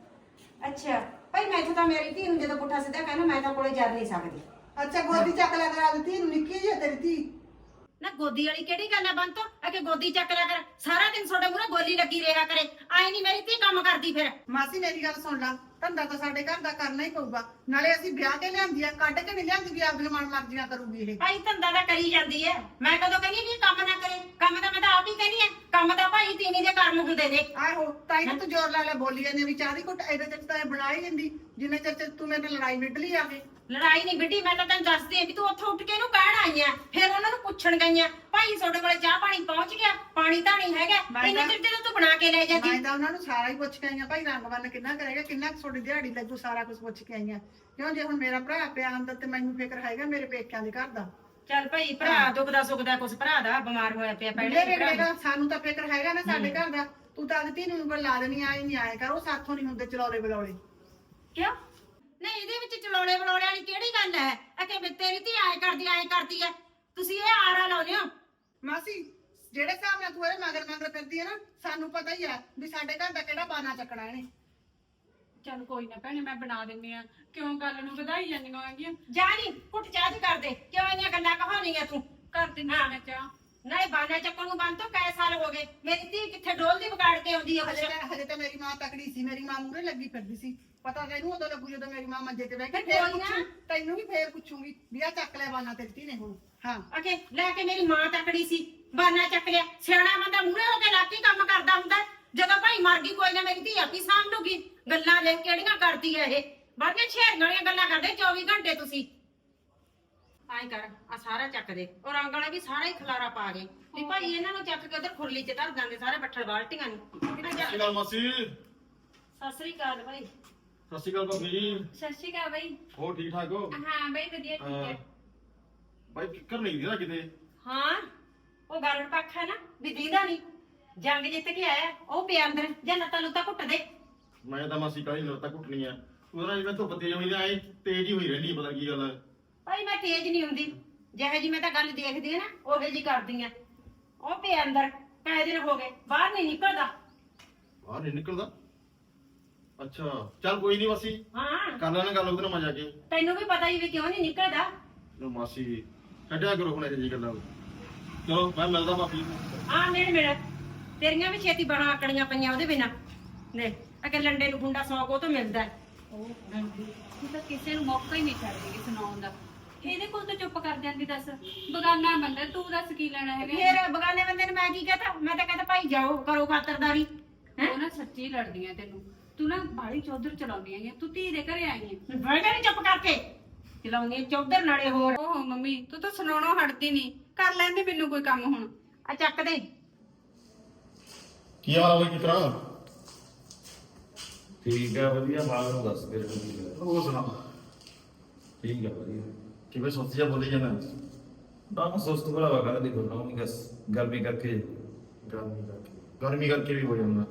S4: ਅੱਛਾ ਭਾਈ ਮੈਂ ਤਾਂ ਮੇਰੀ ਧੀ ਨੂੰ ਜਦੋਂ ਪੁੱਠਾ ਸਿੱਧਾ ਕਹਿਣਾ ਮੈਂ ਤਾਂ ਕੋਲੇ ਜਰ ਨਹੀਂ ਸਕਦੀ।
S1: ਅੱਛਾ ਗੋਦੀ ਚੱਕ ਲਿਆ ਕਰ ਆਪਦੀ ਧੀ ਨੂੰ, ਨਿੱਕੀ ਜਿਹੀ ਆ ਤੇਰੀ ਧੀ।
S4: ਨਾ ਗੋਦੀ ਵਾਲੀ ਕਿਹੜੀ ਗੱਲ ਆ ਬੰਤੋ, ਆ ਕਿ ਗੋਦੀ ਚੱਕ ਲਿਆ ਕਰ, ਸਾਰਾ ਦਿਨ ਤੁਹਾਡੇ ਮੂਹਰੇ ਗੋਲੀ ਲੱਗੀ ਰਿਹਾ ਕਰੇ, ਆਈ ਨਹੀਂ ਮੇਰੀ ਧੀ ਕੰਮ ਕਰਦੀ ਫਿਰ।
S1: ਮਾਸੀ ਮੇਰੀ ਗੱਲ ਸੁਣ ਲਾ, ਧੰਦਾ ਤਾਂ ਸਾਡੇ ਘਰ ਦਾ ਕਰਨਾ ਹੀ ਪਊਗਾ, ਨਾਲੇ ਅਸੀਂ ਵਿਆਹ ਕੇ ਲਿਆਂਦੀ ਆ, ਕੱਢ ਕੇ ਨਹੀਂ ਲਿਆਂਦੀ ਵੀ ਆਪਦੀਆਂ ਮਨ ਮਰਜ਼ੀਆਂ ਕਰੂਗੀ ਇਹ।
S4: ਭਾਈ ਧੰਦਾ ਤਾਂ ਕਰੀ ਜਾਂਦੀ ਹੈ, ਮੈਂ ਕਦੋਂ ਕਹਿੰਦੀ ਵੀ ਕੰਮ ਨਾ ਕਰੇ, ਕੰਮ ਤਾਂ ਮੈਂ ਤਾਂ ਆਪ ਹੀ ਕਹਿੰਦੀ ਆ, ਕੰਮ ਤਾਂ ਭਾਈ ਤੀਵੀਂ ਦੇ ਕਰਮ ਹੁੰਦੇ ਨੇ।
S1: ਆਹੋ ਤਾਂ ਹੀ ਤੂੰ ਜ਼ੋਰ ਲਾ ਲੈ ਬੋਲੀ ਜਾਂਦੀ ਵੀ ਚਾਹ ਦੀ ਘੁੱਟ ਇਹਦੇ ਚ ਤਾਂ ਇਹ ਬਣਾ ਹੀ ਲੈਂਦੀ, ਜਿੰਨੇ ਚਿਰ ਚ ਤੂੰ ਮੇਰੇ ਨਾਲ ਲੜਾਈ ਵਿੱਢ ਲਈ ਆਵੇ।
S4: ਲੜਾਈ ਨਹੀਂ ਵਿੱਢੀ, ਮੈਂ ਤਾਂ ਤੈਨੂੰ ਦੱਸਦੀ ਆ ਵੀ ਤੂੰ ਉੱਥੋਂ ਉੱਠ ਕੇ ਇਹਨੂੰ ਕਹਿਣ ਆਈ ਆ, ਫਿਰ ਉਹਨਾਂ ਨੂੰ ਪੁੱਛਣ ਗਈਆਂ ਭਾਈ ਤੁਹਾਡੇ ਕੋਲੇ ਚਾਹ ਪਾਣੀ ਪਹੁੰਚ ਗਿਆ, ਪਾਣੀ ਤਾਂ ਨਹੀਂ ਹੈਗਾ, ਇੰਨੇ ਚਿਰ ਜਦੋਂ ਤੂੰ ਬਣਾ ਕੇ ਲੈ ਜਾਂਦੀ।
S1: ਮੈਂ ਤਾਂ ਉਹਨਾਂ ਨੂੰ ਸਾਰਾ ਹੀ ਪੁੱਛ ਕੇ ਆਈਆਂ ਭਾਈ, ਰੰਗ ਬੰਨ ਕਿੰਨਾ ਕਰੇਗਾ, ਕਿੰਨਾ ਕੁ ਤੁਹਾਡੀ ਦਿਹਾੜੀ ਲੱਗੂ, ਸਾਰਾ ਕੁਝ ਪੁੱਛ ਕੇ ਆਈਆਂ। ਕਿਉਂ ਜੇ ਹੁਣ ਮੇਰਾ ਭਰਾ ਪਿਆ ਅੰਦਰ ਤੇ ਮੈਨੂੰ ਫਿਕਰ ਹੈਗਾ ਮੇਰੇ ਪੇਕਿਆਂ ਦੇ ਘਰ ਦਾ।
S4: ਚੱਲ ਭਾਈ ਭਰਾ ਦੁਖਦਾ ਸੁਖਦਾ ਕੁਛ, ਭਰਾ ਦਾ ਬਿਮਾਰ ਹੋਇਆ ਪਿਆ ਪਹਿਲੇ
S1: ਮੇਰੇ ਵੇਲੇ ਸਾਨੂੰ ਤਾਂ ਫਿਕਰ ਹੈਗਾ ਨਾ ਸਾਡੇ ਘਰ ਦਾ। ਤੂੰ ਤਾਂ ਧੀ ਨੂੰ ਉਂਗਲ ਲਾ ਦੇਣੀ, ਆਏ ਨਹੀਂ ਆਏ ਕਰ, ਉਹ ਸਾਥੋਂ ਨਹੀਂ ਹੁੰਦੇ ਚਲੌਲੇ ਬਲੌਲੇ।
S4: ਕਿਉਂ? ਨਹੀਂ ਇਹਦੇ ਵਿੱਚ ਚਲੋੜੇ ਬਲੋੜੇ ਵਾਲੀ ਕਿਹੜੀ ਗੱਲ ਹੈ? ਅਕੇ ਵੀ ਤੇਰੀ ਧੀ ਆਏ ਕਰਦੀ ਆਏ ਕਰਦੀ ਹੈ, ਤੁਸੀਂ ਇਹ ਆਰਾ ਲਾਉਂਦੇ ਹੋ।
S1: ਮਾਸੀ ਜਿਹੜੇ ਹਿਸਾਬ ਨਾਲ ਤੂੰ ਇਹਦੇ ਮਗਰ ਮਗਰ ਫਿਰਦੀ ਹੈ ਨਾ, ਸਾਨੂੰ ਪਤਾ ਹੀ ਆ ਵੀ ਸਾਡੇ ਘਰ ਦਾ ਕਿਹੜਾ ਬਾਨਾ ਚੱਕਣਾ ਇਹਨੇ।
S5: ਚੱਲ ਕੋਈ ਨਾ ਭੈਣੇ ਮੈਂ ਬਣਾ ਦਿੰਦੀ ਆ, ਕਿਉਂ ਗੱਲ ਨੂੰ ਵਧਾਈ ਜਾਂਦੀਆਂ ਹੈਗੀਆਂ।
S4: ਜਾ ਨੀ ਕੁੱਟ ਚਾਹ ਦੀ ਕਰ ਦੇ, ਕਿਉਂ ਇੰਨੀਆਂ ਗੱਲਾਂ ਕਹਾਉਣੀਆਂ ਤੂੰ?
S5: ਕਰ ਦਿੰਦੀ ਆ ਮੈਂ ਚਾਹ।
S4: ਨਾਲੇ ਬਾਨਾ ਚੱਕਣ ਨੂੰ ਬੰਦ ਤੋਂ ਕਈ ਸਾਲ ਹੋ ਗਏ, ਮੇਰੀ ਧੀ ਕਿੱਥੇ ਡੋਲਦੀ ਵਿਗਾੜ ਕੇ ਆਉਂਦੀ ਹੈ
S1: ਹਜੇ
S4: ਕੁਛ।
S1: ਤਾਂ ਹਜੇ ਤਾਂ ਮੇਰੀ ਮਾਂ ਤਕੜੀ ਸੀ, ਮੇਰੀ ਮਾਂ ਮੂਹਰੇ ਲੱਗੀ ਫਿਰਦੀ ਸੀ। ਪਤਾ ਤੈਨੂੰ ਉਦੋਂ ਲੱਗੂ ਜਦੋਂ ਮੇਰੀ ਮਾਂ ਮੰਜੇ ਤੇ ਬਹਿ ਕੇ
S4: ਫਿਰ
S1: ਫੇਰ
S4: ਕੋਈ ਨਾ।
S1: ਪੁੱਛੂ, ਤੈਨੂੰ ਵੀ ਫੇਰ ਪੁੱਛੂਗੀ ਵੀ ਆ ਚੱਕ ਲੈ ਬਾਨਾ ਤੇਰੀ ਧੀ ਨੇ ਹੁਣ। ਹਾਂ
S4: ਅਕੇ ਲੈ ਕੇ ਮੇਰੀ ਮਾਂ ਤਕੜੀ ਸੀ, ਬਾਨਾ ਚੱਕ ਲਿਆ। ਸਿਆਣਾ ਬੰਦਾ ਮੂਹਰੇ ਹੋ ਕੇ ਲੱਗ ਕੇ ਕੰਮ ਕਰਦਾ ਹੁੰਦਾ, ਜਦੋਂ ਭਾਈ ਮਰ ਗਈ ਕੋਈ ਨਾ ਮੇਰੀ ਧੀ ਆਪੀ ਸਾਂਭ ਲੂਗੀ। ਗੱਲਾਂ ਲੈ ਕਿਹੜੀਆਂ ਕਰਦੀ ਹੈ ਇਹ, ਬੜੀਆਂ ਛੇੜੀਆਂ ਵਾਲੀਆਂ ਗੱਲਾਂ ਕਰਦੇ ਚੌਵੀ ਘੰਟੇ ਤੁਸੀਂ। ਆਏ ਕਰ ਆ ਸਾਰਾ ਚੱਕ ਦੇ, ਉਹ ਰੰਗ ਵਾਲਾ ਵੀ ਸਾਰਾ ਹੀ ਖਲਾਰਾ ਪਾ ਗਏ ਵੀ ਭਾਈ ਇਹਨਾਂ ਨੂੰ ਚੱਕ ਕੇ ਉਧਰ ਖੁਰਲੀ ਚ ਧਰ ਦਾਂਗੇ ਸਾਰੇ ਬੱਠਲ ਬਾਲਟੀਆਂ ਨੂੰ।
S7: ਸਤਿ ਸ਼੍ਰੀ ਅਕਾਲ ਮਾਸੀ।
S4: ਸਤਿ ਸ੍ਰੀ ਅਕਾਲ ਭਾਈ।
S7: ਸਤਿ ਸ਼੍ਰੀ ਅਕਾਲ ਭਾਬੀ ਜੀ।
S5: ਸਤਿ ਸ਼੍ਰੀ ਅਕਾਲ ਬਾਈ।
S7: ਹੋਰ ਠੀਕ ਠਾਕ ਹੋ?
S5: ਹਾਂ ਬਾਈ ਵਧੀਆ ਠੀਕ ਹੈ।
S7: ਬਾਈ ਫਿਕਰ ਨਹੀਂ ਦੀਦਾ ਕਿਤੇ।
S4: ਹਾਂ ਉਹ ਗਾਲਣ ਪੱਖ ਹੈ ਨਾ ਵੀ ਦੀਦਾ ਨਹੀਂ, ਜੰਗ ਜਿੱਤ ਕੇ ਆਇਆ ਉਹ ਪਿਆ ਅੰਦਰ, ਜਾਂ ਲੱਤਾਂ ਲੁੱਤਾਂ ਘੁੱਟ ਦੇ।
S7: ਮੈਂ ਤਾਂ ਮਾਸੀ ਕਾਹੀ ਲੱਤਾਂ ਘੁੱਟਣੀ ਆ, ਉਹਦਾ ਜਿਵੇਂ ਧੁੱਪ ਤੇਜ਼ ਹੋਈ ਨਾ ਐ ਤੇਜ਼ ਹੀ ਹੋਈ ਰਹਿੰਦੀ, ਪਤਾ ਕੀ ਗੱਲ ਹੈ।
S4: ਭਾਈ ਮੈਂ ਤੇਜ਼ ਨਹੀਂ ਹੁੰਦੀ, ਜਿਹੇ ਜੀ ਮੈਂ ਤਾਂ ਗੱਲ ਦੇਖਦੀ ਆ ਨਾ ਉਹੇ ਜੀ ਕਰਦੀ ਆ। ਉਹ ਪਿਆ ਅੰਦਰ ਕਈ ਦਿਨ ਹੋ ਗਏ ਬਾਹਰ ਨਹੀਂ ਨਿਕਲਦਾ।
S8: ਬਾਹਰ ਨਹੀਂ ਨਿਕਲਦਾ? ਅੱਛਾ ਚੱਲ ਕੋਈ ਨਹੀਂ ਮਾਸੀ,
S4: ਹਾਂ
S8: ਕਰ ਲੈਣਾ ਗੱਲ ਉਹਦੇ ਨਾਲ ਮੈਂ ਜਾ ਕੇ।
S4: ਤੈਨੂੰ ਵੀ ਪਤਾ ਹੀ ਵੀ ਕਿਉਂ ਨਹੀਂ ਨਿਕਲਦਾ।
S8: ਲੋ ਮਾਸੀ ਛੱਡਿਆ ਕਰੋ ਹੁਣ ਇਹ ਜੀ ਗੱਲਾਂ। ਚਲੋ ਮੈਂ ਮਿਲਦਾ ਮਾਫੀ ਨੂੰ।
S4: ਆ ਮਿਲ ਮਿਲ ਤੇਰੀਆਂ ਵੀ ਛੇਤੀ ਬਣਾ ਆਕੜੀਆਂ ਪਈਆਂ ਉਹਦੇ ਬਿਨਾ ਨੇ ਅਕੇ ਲੰਡੇ ਨੂੰ ਗੁੰਡਾ ਸੌ ਕੋ ਤੋਂ ਮਿਲਦਾ ਹੈ।
S5: ਉਹ ਤੂੰ ਤਾਂ ਕਿਸੇ ਨੂੰ ਮੌਕਾ ਹੀ ਨਹੀਂ ਛੱਡਦੀ ਸੁਣਾਉਣ ਦਾ। ਇਹਦੇ ਕੋਲ ਤਾਂ ਚੁੱਪ ਕਰ ਜਾਂਦੀ। ਦੱਸ ਬਗਾਨਾ ਬੰਦਾ, ਤੂੰ ਦੱਸ ਕੀ ਲੈਣਾ ਹੈਗਾ।
S4: ਫੇਰ ਬਗਾਨੇ ਬੰਦੇ ਨੂੰ ਮੈਂ ਕੀ ਕਹਤਾ? ਮੈਂ ਤਾਂ ਕਹਿੰਦਾ ਭਾਈ ਜਾਓ ਕਰੋ ਖਾਤਰਦਾਰੀ।
S5: ਉਹ ਨਾ ਸੱਚੀ ਲੜਦੀਆਂ ਤੈਨੂੰ। ਤੂੰ ਨਾ ਬਾੜੀ ਚੌਧਰ ਚਲਾਉਂਦੀ ਆਈ ਤੂੰ ਧੀ ਦੇ ਘਰੇ ਆਈ ਹੈ।
S4: ਬੈਠਾ ਨਹੀਂ ਚੁੱਪ ਕਰਕੇ ਚਲਾਉਂਦੀ ਚੌਧਰ ਨਾਲੇ ਹੋਰ।
S5: ਓਹੋ ਮੰਮੀ ਤੂੰ ਤਾਂ ਸੁਣਾਉਣੋਂ ਹਟਦੀ ਨਹੀਂ। ਕਰ ਲੈਂਦੇ ਮੈਨੂੰ ਕੋਈ ਕੰਮ ਹੁਣ।
S4: ਆ ਚੱਕ ਦੇ।
S8: ਕੀ ਹਾਲ ਹੈ ਕਿਸ ਤਰ੍ਹਾਂ?
S6: ਠੀਕ ਹੈ ਵਧੀਆ। ਬਾਹਰ ਨੂੰ ਦੱਸ ਫਿਰ ਕੀ ਗੱਲ।
S8: ਉਹ ਸੁਣਾ
S6: ਠੀਕ ਹੈ ਵਧੀਆ।
S8: ਕਿਵੇਂ ਸੋਚ ਜਾ ਬੋਲੀ ਜਾਂਦਾ?
S6: ਨਾ ਸੁਸਤ ਬੜਾ ਵਗਾ ਦੇਖੋ ਨਾ ਨਹੀਂ ਬਸ ਗਰਮੀ ਕਰਕੇ।
S8: ਗਰਮੀ ਕਰਕੇ ਗਰਮੀ ਕਰਕੇ ਵੀ ਹੋ ਜਾਂਦਾ।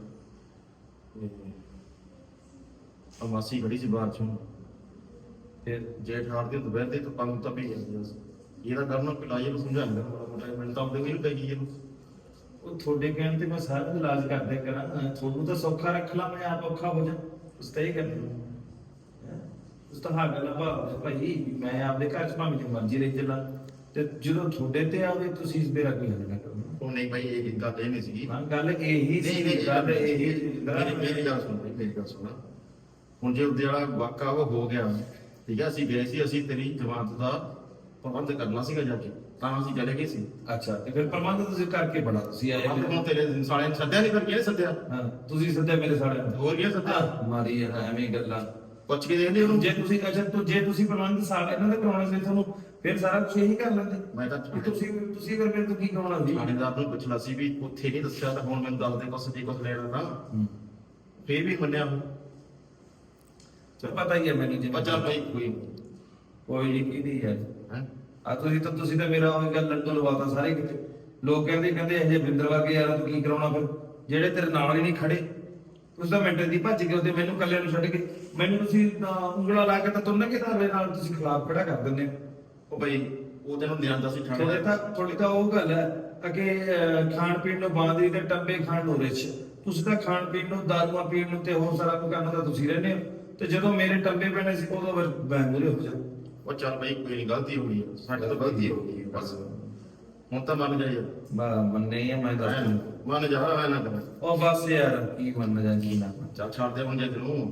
S8: ਆ ਮਾਸੀ ਖੜੀ ਸੀ ਬਾਹਰ ਚੋਂ, ਫਿਰ ਜੇ ਠਾੜਦੇ ਤਾਂ ਬਹਿੰਦੇ ਤਾਂ ਪੰਗ ਤਾਂ ਵੀ ਜਾਂਦੀ ਸੀ। ਇਹਦਾ ਕਰਨਾ ਪਿਲਾਈ ਨੂੰ ਸਮਝਾਉਂਦਾ ਮਾੜਾ ਮੋਟਾ। ਮੈਨੂੰ ਤਾਂ ਆਪਦੇ ਕੋਈ ਪੈ ਗਈ ਇਹਨੂੰ।
S6: ਉਹ ਤੁਹਾਡੇ ਕਹਿਣ ਤੇ ਮੈਂ ਸਾਰਾ ਇਲਾਜ ਕਰਦੇ ਕਰਾਂ। ਤੁਹਾਨੂੰ ਤਾਂ ਸੌਖਾ ਰੱਖ ਲਾ, ਮੈਂ ਆਪ ਔਖਾ ਹੋ ਜਾ। ਉਸ ਤਾਂ ਇਹ ਕਰਨਾ ਉਸ ਤਾਂ ਹਾਂ ਗੱਲ ਆ ਭਾਈ। ਮੈਂ ਆਪਦੇ ਘਰ ਚ ਭਾਵੇਂ ਜੋ ਮਰਜ਼ੀ ਰਹਿ ਚੱਲਾਂ ਤੇ ਜਦੋਂ ਤੁਹਾਡੇ ਤੇ ਆਵੇ ਤੁਸੀਂ ਇਸ ਬੇਰਾ ਕੋਈ ਹੱਲ ਨਾ ਕਰੋ।
S8: ਉਹ ਨਹੀਂ ਭਾਈ ਇਹ ਗੱਲ ਇਹ ਨਹੀਂ ਸੀਗੀ।
S6: ਹਾਂ ਗੱਲ ਇਹੀ ਸੀ।
S8: ਨਹੀਂ ਨਹੀਂ
S6: ਗੱਲ ਇਹੀ
S8: ਮੇਰੀ ਮੇਰੀ ਗੱਲ ਸੁਣ ਮੇਰੀ ਗੱਲ ਸੁਣ। ਹੁਣ ਜੇ ਉਹਦੇ ਵਾਲਾ ਵਾਕਾ ਉਹ ਹੋ ਗਿਆ ਠੀਕ ਹੈ, ਅਸੀਂ ਗਏ ਸੀ, ਅਸੀਂ ਤੇਰੀ ਜਮਾਨਤ ਦਾ ਪ੍ਰਬੰਧ ਕਰਨਾ ਸੀਗਾ ਜਾ ਕੇ, ਤਾਂ ਅਸੀਂ ਚਲੇ ਗਏ ਸੀ।
S6: ਅੱਛਾ ਤੇ ਫਿਰ ਪ੍ਰਬੰਧ ਤੁਸੀਂ ਕਰਕੇ ਬੜਾ ਤੁਸੀਂ ਆਏ
S8: ਪ੍ਰਬੰਧ ਹੁਣ ਤੇਰੇ ਸਾਲੇ ਨੇ ਸੱਦਿਆ ਨਹੀਂ, ਫਿਰ ਕਿਹਨੇ ਸੱਦਿਆ?
S6: ਹਾਂ ਤੁਸੀਂ ਸੱਦਿਆ ਮੇਰੇ ਸਾਲੇ
S8: ਹੋਰ ਕੀ ਸੱਦਿਆ?
S6: ਮਾਰੀ ਯਾਰ ਐਵੇਂ ਗੱਲਾਂ।
S8: ਪੁੱਛ ਕੇ ਦੇਖਦੇ ਉਹਨੂੰ।
S6: ਜੇ ਤੁਸੀਂ ਅੱਛਾ ਤੂੰ ਜੇ ਤੁਸੀਂ ਪ੍ਰਬੰਧ ਸਾਲ ਇਹਨਾਂ ਦੇ ਕਰਾਉਣੇ ਸੀ ਤੁਹਾਨੂੰ ਫਿਰ ਸਾਰਾ ਕੁਝ ਇਹੀ ਕਰ ਲੈਂਦੇ।
S8: ਮੈਂ ਤਾਂ
S6: ਵੀ ਤੁਸੀਂ ਤੁਸੀਂ ਫਿਰ ਮੇਰੇ ਤੋਂ ਕੀ ਕਰਾਉਣਾ ਸੀ?
S8: ਥਾਣੇਦਾਰ ਨੂੰ ਪੁੱਛਣਾ ਸੀ ਵੀ ਉੱਥੇ ਨਹੀਂ ਦੱਸਿਆ ਤਾਂ ਹੁਣ ਮੈਨੂੰ ਦੱਸ ਦੇ ਕੁਛ ਜੇ ਕੁਛ ਲੈਣਾ ਤਾਂ ਫੇਰ ਵੀ ਮੰਨਿਆ ਉਹ।
S6: ਚਲ ਪਤਾ ਹੀ ਹੈ ਮੈਨੂੰ ਜੀ।
S8: ਬੱਚਾ ਭਾਈ ਕੋਈ
S6: ਕੋਈ ਨਹੀਂ ਕਿਹਦੀ ਹੈ
S8: ਹੈ
S6: ਆ ਤੁਸੀਂ ਤਾਂ ਤੁਸੀਂ ਤਾਂ ਮੇਰਾ ਉਹ ਗੱਲ ਲੰਡੋ ਲਵਾਤਾ ਸਾਰੇ ਕਿਤੇ। ਲੋਕ ਕਹਿੰਦੇ ਕਹਿੰਦੇ ਇਹ ਬਿੰਦਰ ਵਰਗੇ ਯਾਰ ਤੂੰ ਕੀ ਕਰਾਉਣਾ ਫਿਰ ਜਿਹੜੇ ਤੇਰੇ ਨਾਲ ਹੀ ਨਹੀਂ ਖੜੇ। ਤੁਸੀਂ ਤਾਂ ਮਿੰਟ ਦੀ ਭੱਜ ਗਏ ਉਹਦੇ ਮੈਨੂੰ ਇਕੱਲੇ ਨੂੰ ਛੱਡ ਕੇ। ਮੈਨੂੰ ਤੁਸੀਂ ਤਾਂ ਉਂਗਲਾ ਲਾ ਕੇ ਤਾਂ ਤੁੰਨ ਕੇ ਧਾਰੇ ਨਾਲ ਤੁਸੀਂ ਖਿਲਾਫ ਖੜਾ ਕਰ ਦਿੰਦੇ ਹੋ।
S8: ਉਹ ਭਾਈ ਉਹ ਤੈਨੂੰ ਲਿਆਂਦਾ ਸੀ
S6: ਤੁਹਾਡੇ
S8: ਥਾਣੇਦਾਰ।
S6: ਤਾਂ ਤੁਹਾਡੀ ਤਾਂ ਉਹ ਗੱਲ ਹੈ ਕਿ ਅਹ, ਖਾਣ ਪੀਣ ਨੂੰ ਬਾਂਦਰੀ ਤੇ ਟੰਬੇ ਖਾਣ ਨੂੰ ਰਿਛ। ਤੁਸੀਂ ਤਾਂ ਖਾਣ ਪੀਣ ਨੂੰ ਦਾਰੂਆਂ ਪੀਣ ਨੂੰ ਤੇ ਹੋਰ ਸਾਰਾ ਕੁਝ ਕਰਨ ਦਾ ਤੁਸੀਂ ਰਹਿੰਦੇ ਹੋ ਤੇ ਜਦੋਂ ਮੇਰੇ ਟੰਬੇ ਪੈਣੇ ਸੀ ਉਦੋਂ ਫਿਰ ਬੈਂਗੂਰੇ ਹੋ ਜਾ।
S8: ਉਹ ਚੱਲ ਭਾਈ ਕੋਈ ਨਹੀਂ, ਗਲਤੀ ਹੋ ਗਈ ਹੈ, ਸਾਡੇ ਤੋਂ ਗਲਤੀ ਹੋ ਗਈ ਹੈ ਬਸ। ਹੁਣ ਤਾਂ ਮੰਨ ਜਾ ਯਾਰ।
S6: ਬਾ ਮੰਨੇ ਹੀ ਆ ਮੈਂ ਦੱਸ ਦਿੰਦਾ।
S8: ਮੰਨ ਜਾ ਐ ਨਾ ਕਰ।
S6: ਉਹ ਬਸ ਯਾਰ ਕੀ ਮੰਨ ਜਾ ਕੀ ਨਾ ਮੰਨ।
S8: ਚੱਲ ਛੱਡ ਦੇ ਹੁਣ ਜੇ ਤੈਨੂੰ।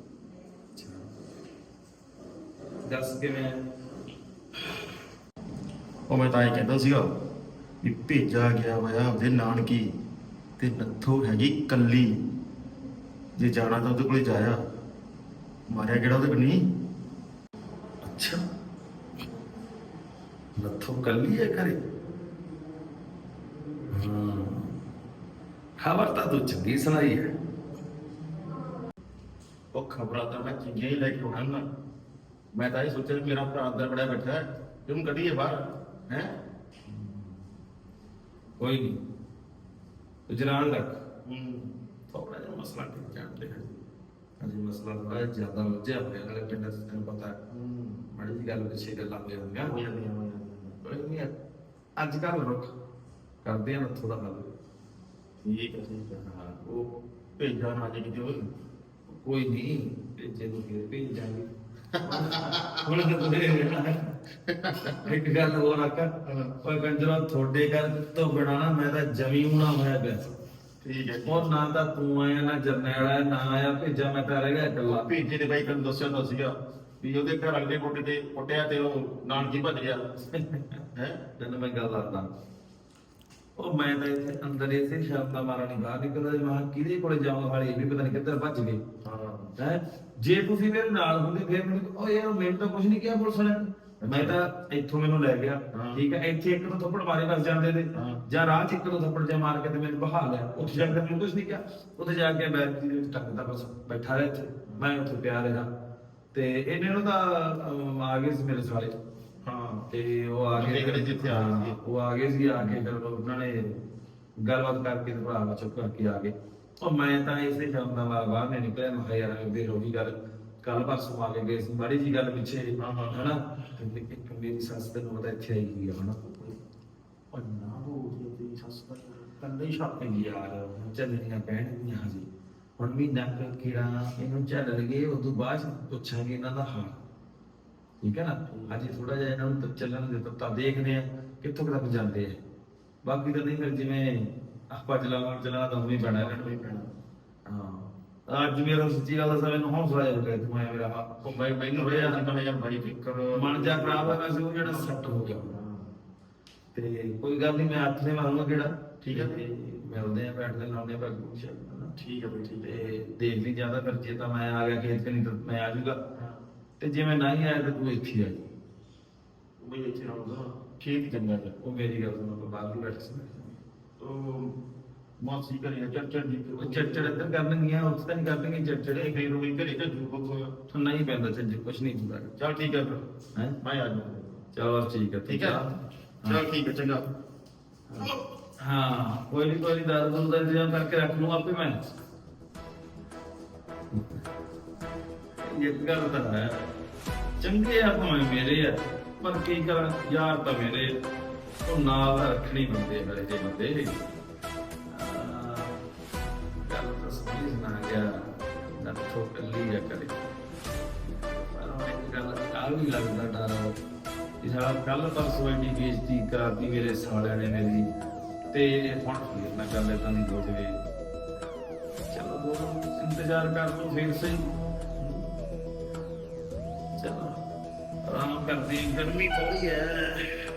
S6: ਦੱਸ ਕਿਵੇਂ?
S8: ਉਹ ਮੈਂ ਤਾਂ ਇਹ ਕਹਿੰਦਾ ਸੀਗਾ ਵੀ ਭੇਜਾ ਗਿਆ ਹੋਇਆ ਉਹਦੇ ਨਾਨਕੀ ਤੇ ਨੱਥੋ ਹੈਗੀ ਕੱਲੀ। ਜੇ ਜਾਣਾ ਤਾਂ ਉਹਦੇ ਕੋਲੇ ਜਾਇਆ, ਮਾਰਿਆ ਕਿਹੜਾ ਉਹਦੇ ਕੋਲ ਨਹੀਂ।
S6: ਅੱਛਾ ਨੱਥੋ ਕੱਲੀ ਹੈ ਘਰੇ। ਹਾਂ ਖਬਰ ਤਾਂ ਤੂੰ ਚੰਗੀ ਸੁਣਾਈ ਹੈ।
S8: ਉਹ ਖਬਰਾਂ ਤਾਂ ਮੈਂ ਚੰਗੀਆਂ ਹੀ ਲੈ ਕੇ ਆਉਣਾ ਨਾ। ਮੈਂ ਤਾਂ ਇਹ ਸੋਚਿਆ ਵੀ ਮੇਰਾ ਭਰਾ ਅੰਦਰ ਬੜਿਆ ਬੈਠਾ ਹੈ ਤੇ ਉਹਨੂੰ ਕੱਢੀਏ ਬਾਹਰ ਹੈ।
S6: ਕੋਈ ਨਹੀਂ ਤੂੰ ਜਨਾਨ ਰੱਖ।
S8: ਹੂੰ
S6: ਥੋੜਾ ਜਿਹਾ ਮਸਲਾ ਠੀਕ ਜਾਣਦੇ ਹਾਂ ਅਜੀ ਮਸਲਾ ਬੜਾ ਜ਼ਿਆਦਾ ਉਲਝਿਆ ਹੋਇਆ ਨਾਲੇ ਪਿੰਡ ਚ ਤੈਨੂੰ ਪਤਾ ਹੈ ਮਾੜੀ ਜਿਹੀ ਗੱਲ ਪਿੱਛੇ ਗੱਲਾਂ ਹੋ ਜਾਂਦੀਆਂ।
S8: ਹੋ ਜਾਂਦੀਆਂ ਹੋ ਜਾਂਦੀਆਂ।
S6: ਕੋਈ ਨਹੀਂ ਅੱਜ ਕੱਲ੍ਹ ਰੁੱਖ ਕਰਦੇ ਆ ਨੱਥੋ ਦਾ ਹੱਲ।
S8: ਠੀਕ ਹੈ ਠੀਕ ਹੈ। ਹਾਂ ਉਹ ਭੇਜਾ ਨਾ ਜੇ ਕਿਤੇ ਹੋਰ।
S6: ਕੋਈ ਨਹੀਂ ਭੇਜੇ ਨੂੰ ਫਿਰ ਭੇਜ ਜਾਵਾਂਗੇ। ਹੁਣ ਤਾਂ ਤੁਸੀਂ ਇੱਕ ਗੱਲ ਹੋਰ ਆਕਾ ਓਏ ਕੰਜਰਾ ਤੁਹਾਡੇ ਘਰ ਤੋਂ ਬਿਨਾਂ ਨਾ ਮੈਂ ਤਾਂ ਜਮੀ ਹੋਣਾ ਹੋਇਆ ਪਿਆ।
S8: ਠੀਕ ਹੈ
S6: ਉਹ ਨਾ ਤਾਂ ਤੂੰ ਆਇਆ ਨਾ ਜਰਨੈਲ ਆਇਆ ਨਾ ਆਇਆ ਭੇਜਾ ਮੈਂ ਤਾਂ ਰਹਿ ਗਿਆ ਇਕੱਲਾ।
S8: ਭੇਜੇ ਦੇ ਬਾਈ ਤੈਨੂੰ ਦੱਸਿਆ ਤਾਂ ਸੀਗਾ ਵੀ ਉਹਦੇ ਘਰ ਵਾਲੇ ਦੇ ਕੋਟੇ ਤੇ ਕੁੱਟਿਆ ਤੇ ਉਹ ਨਾਨਕੀ ਭੱਜ ਗਿਆ ਹੈ।
S6: ਤੈਨੂੰ ਮੈਂ ਗੱਲ ਦੱਸਦਾ ਉਹ ਮੈਂ ਤਾਂ ਇੱਥੇ ਅੰਦਰ ਇਸੇ ਸ਼ਬਦ ਦਾ ਮਾਰਾ ਨਹੀਂ ਬਾਹਰ ਨਿਕਲਦਾ। ਮੈਂ ਕਿਹਾ ਕਿਹਦੇ ਕੋਲੇ ਜਾਵਾਂ ਵਾਲੇ ਇਹ ਵੀ ਪਤਾ ਨਹੀਂ ਕਿੱਧਰ ਭੱਜ ਗਏ।
S8: ਹਾਂ
S6: ਹੈ ਜੇ ਤੁਸੀਂ ਮੇਰੇ ਨਾਲ ਹੁੰਦੇ ਫਿਰ ਮੈਨੂੰ ਉਹ ਯਾਰ ਮੈਨੂੰ ਤਾਂ ਕੁਝ ਨਹੀਂ ਕਿਹਾ ਪੁਲਿਸ ਨੇ। ਮੈਂ ਤਾਂ ਇੱਥੋਂ ਮੈਨੂੰ ਲੈ ਗਿਆ
S8: ਹਾਂ।
S6: ਠੀਕ ਹੈ। ਇੱਥੇ ਇੱਕ ਤੋਂ ਥੱਪੜ ਮਾਰੇ ਬਸ ਜਾਂਦੇ ਤੇ
S8: ਹਾਂ।
S6: ਜਾਂ ਰਾਹ ਚ ਇੱਕ ਤੋਂ ਥੱਪੜ ਜਾ ਮਾਰ ਕੇ ਤੇ ਮੈਨੂੰ ਬਹਾ ਲਿਆ। ਉੱਥੇ ਜਾ ਕੇ ਮੈਨੂੰ ਕੁਝ ਨਹੀਂ ਕਿਹਾ। ਉੱਥੇ ਜਾ ਕੇ ਬੈਠ ਦੀ ਟੱਕਦਾ ਬਸ ਬੈਠਾ ਰਿਹਾ ਇੱਥੇ ਮੈਂ ਉੱਥੇ ਪਿਆ ਰਿਹਾ ਤੇ ਇਹਨੇ ਨੂੰ ਤਾਂ ਅਮ, ਆ ਗਏ ਸੀ ਮੇਰੇ ਸਾਲੇ।
S8: ਹਾਂ
S6: ਤੇ ਉਹ ਆ
S8: ਬੰਦੇ
S6: ਗਏ
S8: ਕਿਹੜੇ ਜਿੱਥੇ ਆ ਗਏ ਸੀ।
S6: ਉਹ ਆ ਗਏ ਸੀ ਆ ਕੇ ਫਿਰ ਉਹਨਾਂ ਨੇ ਗੱਲਬਾਤ ਕਰਕੇ ਤੇ ਭਰਾ ਚੁੱਕ ਕਰਕੇ ਆ ਗਏ। ਉਹ ਮੈਂ ਤਾਂ ਇਸੇ ਸ਼ਬਦ ਦਾ ਬਾਹਰ ਨਹੀਂ ਨਿਕਲਿਆ। ਮੈਂ ਕਿਹਾ ਯਾਰ ਫਿਰ ਉਹੀ ਗੱਲ ਕੱਲ ਪਰਸੋਂ ਆ ਕੇ ਗਏ ਸੀ ਮਾੜੀ ਜੀ ਗੱਲ ਪਿੱਛੇ
S8: ਹਾਂ, ਹਾਂ।
S6: ਹਨਾ ਤੇ ਇੱਕ ਮੇਰੀ ਸੱਸ ਤੈਨੂੰ ਪਤਾ ਇੱਥੇ ਆਈ ਹੋਈ ਆ ਹਨਾ
S8: ਉਹ ਨਾ ਉਹ ਤੇਰੀ ਸੱਸ ਦਾ ਕੰਦਾ ਹੀ ਛਾਪ
S6: ਕਹਿੰਦੀ ਯਾਰ ਚੱਲਣੀਆਂ ਪੈਣਗੀਆਂ ਹਜੇ ਹੁਣ ਵੀ ਨੱਕ ਕੀੜਾ ਇਹਨੂੰ ਚੱਲਣਗੇ ਉਦੋਂ ਬਾਅਦ 'ਚ ਪੁੱਛਾਂਗੇ ਇਹਨਾਂ ਦਾ ਹਾਲ ਠੀਕ ਹੈ ਨਾ ਅਜੇ ਥੋੜਾ ਜਿਹਾ ਇਹਨਾਂ ਨੂੰ ਤਾਂ ਚੱਲਣ ਦੇ ਤਾਂ ਤਾਂ ਦੇਖਦੇ ਆ ਕਿੱਥੋਂ ਤੱਕ ਜਾਂਦੇ ਆ ਬਾਕੀ ਤਾਂ ਨਹੀਂ ਫਿਰ ਜਿਵੇਂ ਆਪਾਂ ਚਲਾਵਾਂ ਚਲਾ ਤਾਂ ਉਵੇਂ ਪੈਣਾ ਇਹਨਾਂ ਨੂੰ ਵੀ ਪੈਣਾ ਹਾਂ ਅੱਜ ਮੇਰਾ ਸੱਚੀ ਗੱਲ ਦੱਸਾਂ ਮੈਨੂੰ ਹੌਸਲਾ ਜਿਹਾ ਲੱਗਿਆ ਤੂੰ ਆਇਆ ਮੇਰਾ ਹੱਥ
S8: ਉਹ ਬਾਈ ਮੈਨੂੰ ਹੋਇਆ ਸੀ ਤਾਂ ਯਾਰ ਬਾਈ ਫਿਕਰ
S6: ਮਨ ਜਾ ਖਰਾਬ ਹੋਇਆ ਸੀ ਉਹ ਜਿਹੜਾ ਸੈੱਟ ਹੋ ਗਿਆ ਤੇ ਕੋਈ ਗੱਲ ਨਹੀਂ ਮੈਂ ਹੱਥ ਨੇ ਮਾਰੂੰਗਾ ਕਿਹੜਾ
S8: ਠੀਕ ਹੈ।
S6: ਤੇ ਮਿਲਦੇ ਆ ਬੈਠਦੇ ਲਾਉਂਦੇ ਆ ਭਾਗ ਕੁਛ
S8: ਠੀਕ ਹੈ ਬਈ ਠੀਕ ਹੈ
S6: ਤੇ ਦੇਖ ਲਈ ਜਿਆਦਾ ਫਿਰ ਜੇ ਤਾਂ ਮੈਂ ਆ ਗਿਆ ਖੇਤ ਨਹੀਂ ਤਾਂ ਮੈਂ ਆ ਜਾਊਗਾ ਤੇ ਜੇ ਮੈਂ ਨਹੀਂ ਆਇਆ ਤਾਂ ਤੂੰ ਇੱਥੇ ਆ ਜਾ
S8: ਬਈ ਇੱਥੇ ਰਹੂਗਾ ਖੇਤ ਹੀ ਚੰਗਾ ਹੈ
S6: ਉਹ ਮੇਰੀ ਗੱਲ ਸੁਣ ਆਪਾਂ ਬਾਹਰ ਵੀ ਬੈਠ ਸਕਦੇ
S8: ਉਹ ਮਾਸੀ ਘਰੇ ਚਰਚਰ ਦੀ
S6: ਉਹ ਚੜਚੜ ਇੱਧਰ ਕਰਨਗੀਆਂ ਉਸ ਤਾਂ ਨਹੀਂ ਕਰਨਗੇ ਚੜਚੜੇ
S8: ਫੇਰ ਉਹ ਘਰੇ ਤੇ ਜੂ ਕੋ
S6: ਨਹੀਂ ਪੈਂਦਾ ਚੱਜ ਕੁਛ ਨਹੀਂ ਹੁੰਦਾ
S8: ਚਲ ਠੀਕ ਹੈ ਫਿਰ
S6: ਹੈ
S8: ਮੈਂ ਆ ਜਾਊਂਗਾ
S6: ਚਲੋ ਠੀਕ ਹੈ ਤੂੰ
S8: ਠੀਕ ਹੈ
S6: ਜਾ।
S8: ਚਲ ਠੀਕ ਹੈ ਚੰਗਾ
S6: ਹਾਂ ਕੋਈ ਨਹੀਂ ਕੋਈ ਦਾਰੂ ਦੂਰੂ ਦਾ ਇੰਤਜ਼ਾਮ ਕਰਕੇ ਰੱਖ ਲੂੰ ਆਪੇ ਮੈਂ ਇਹ ਗੱਲ ਤਾਂ ਹੈ ਚੰਗੇ ਆ ਭਾਵੇਂ ਮੇਰੇ ਆ ਪਰ ਕੀ ਕਰਾਂ ਯਾਰ ਤਾਂ ਮੇਰੇ ਉਹ ਨਾਲ ਦਾ ਰੱਖਣੀ ਹੁੰਦੇ ਮੇਰੇ ਜੇ ਬੰਦੇ ਆਹ, ਗੱਲ ਤਾਂ ਸਮਝ ਨਾ ਗਿਆ ਨਾ ਤੋਂ ਕੱਲੀ ਆ ਕਰੇ ਪਰ ਹੁਣ ਇੱਕ ਗੱਲ ਆ ਵੀ ਲੱਗਦਾ ਡਰ ਇਹ ਸਾਲਾ ਕੱਲ ਪਰਸੋਂ ਇੰਨੀ ਬੇਇੱਜ਼ਤੀ ਕਰਾਤੀ ਮੇਰੇ ਸਾਲਿਆਂ ਨੇ ਮੇਰੀ ਤੇ ਹੁਣ ਫਿਰ ਮੈਂ ਗੱਲ ਏਦਾਂ ਦੀ ਹੋ ਜਾਵੇ ਚਲੋ ਦੋ ਦਿਨ ਇੰਤਜ਼ਾਰ ਕਰ ਲਓ ਫਿਰ ਸਹੀ ਚਲੋ ਆਰਾਮ ਕਰਦੇ ਹਾਂ, ਗਰਮੀ ਥੋੜੀ ਹੈ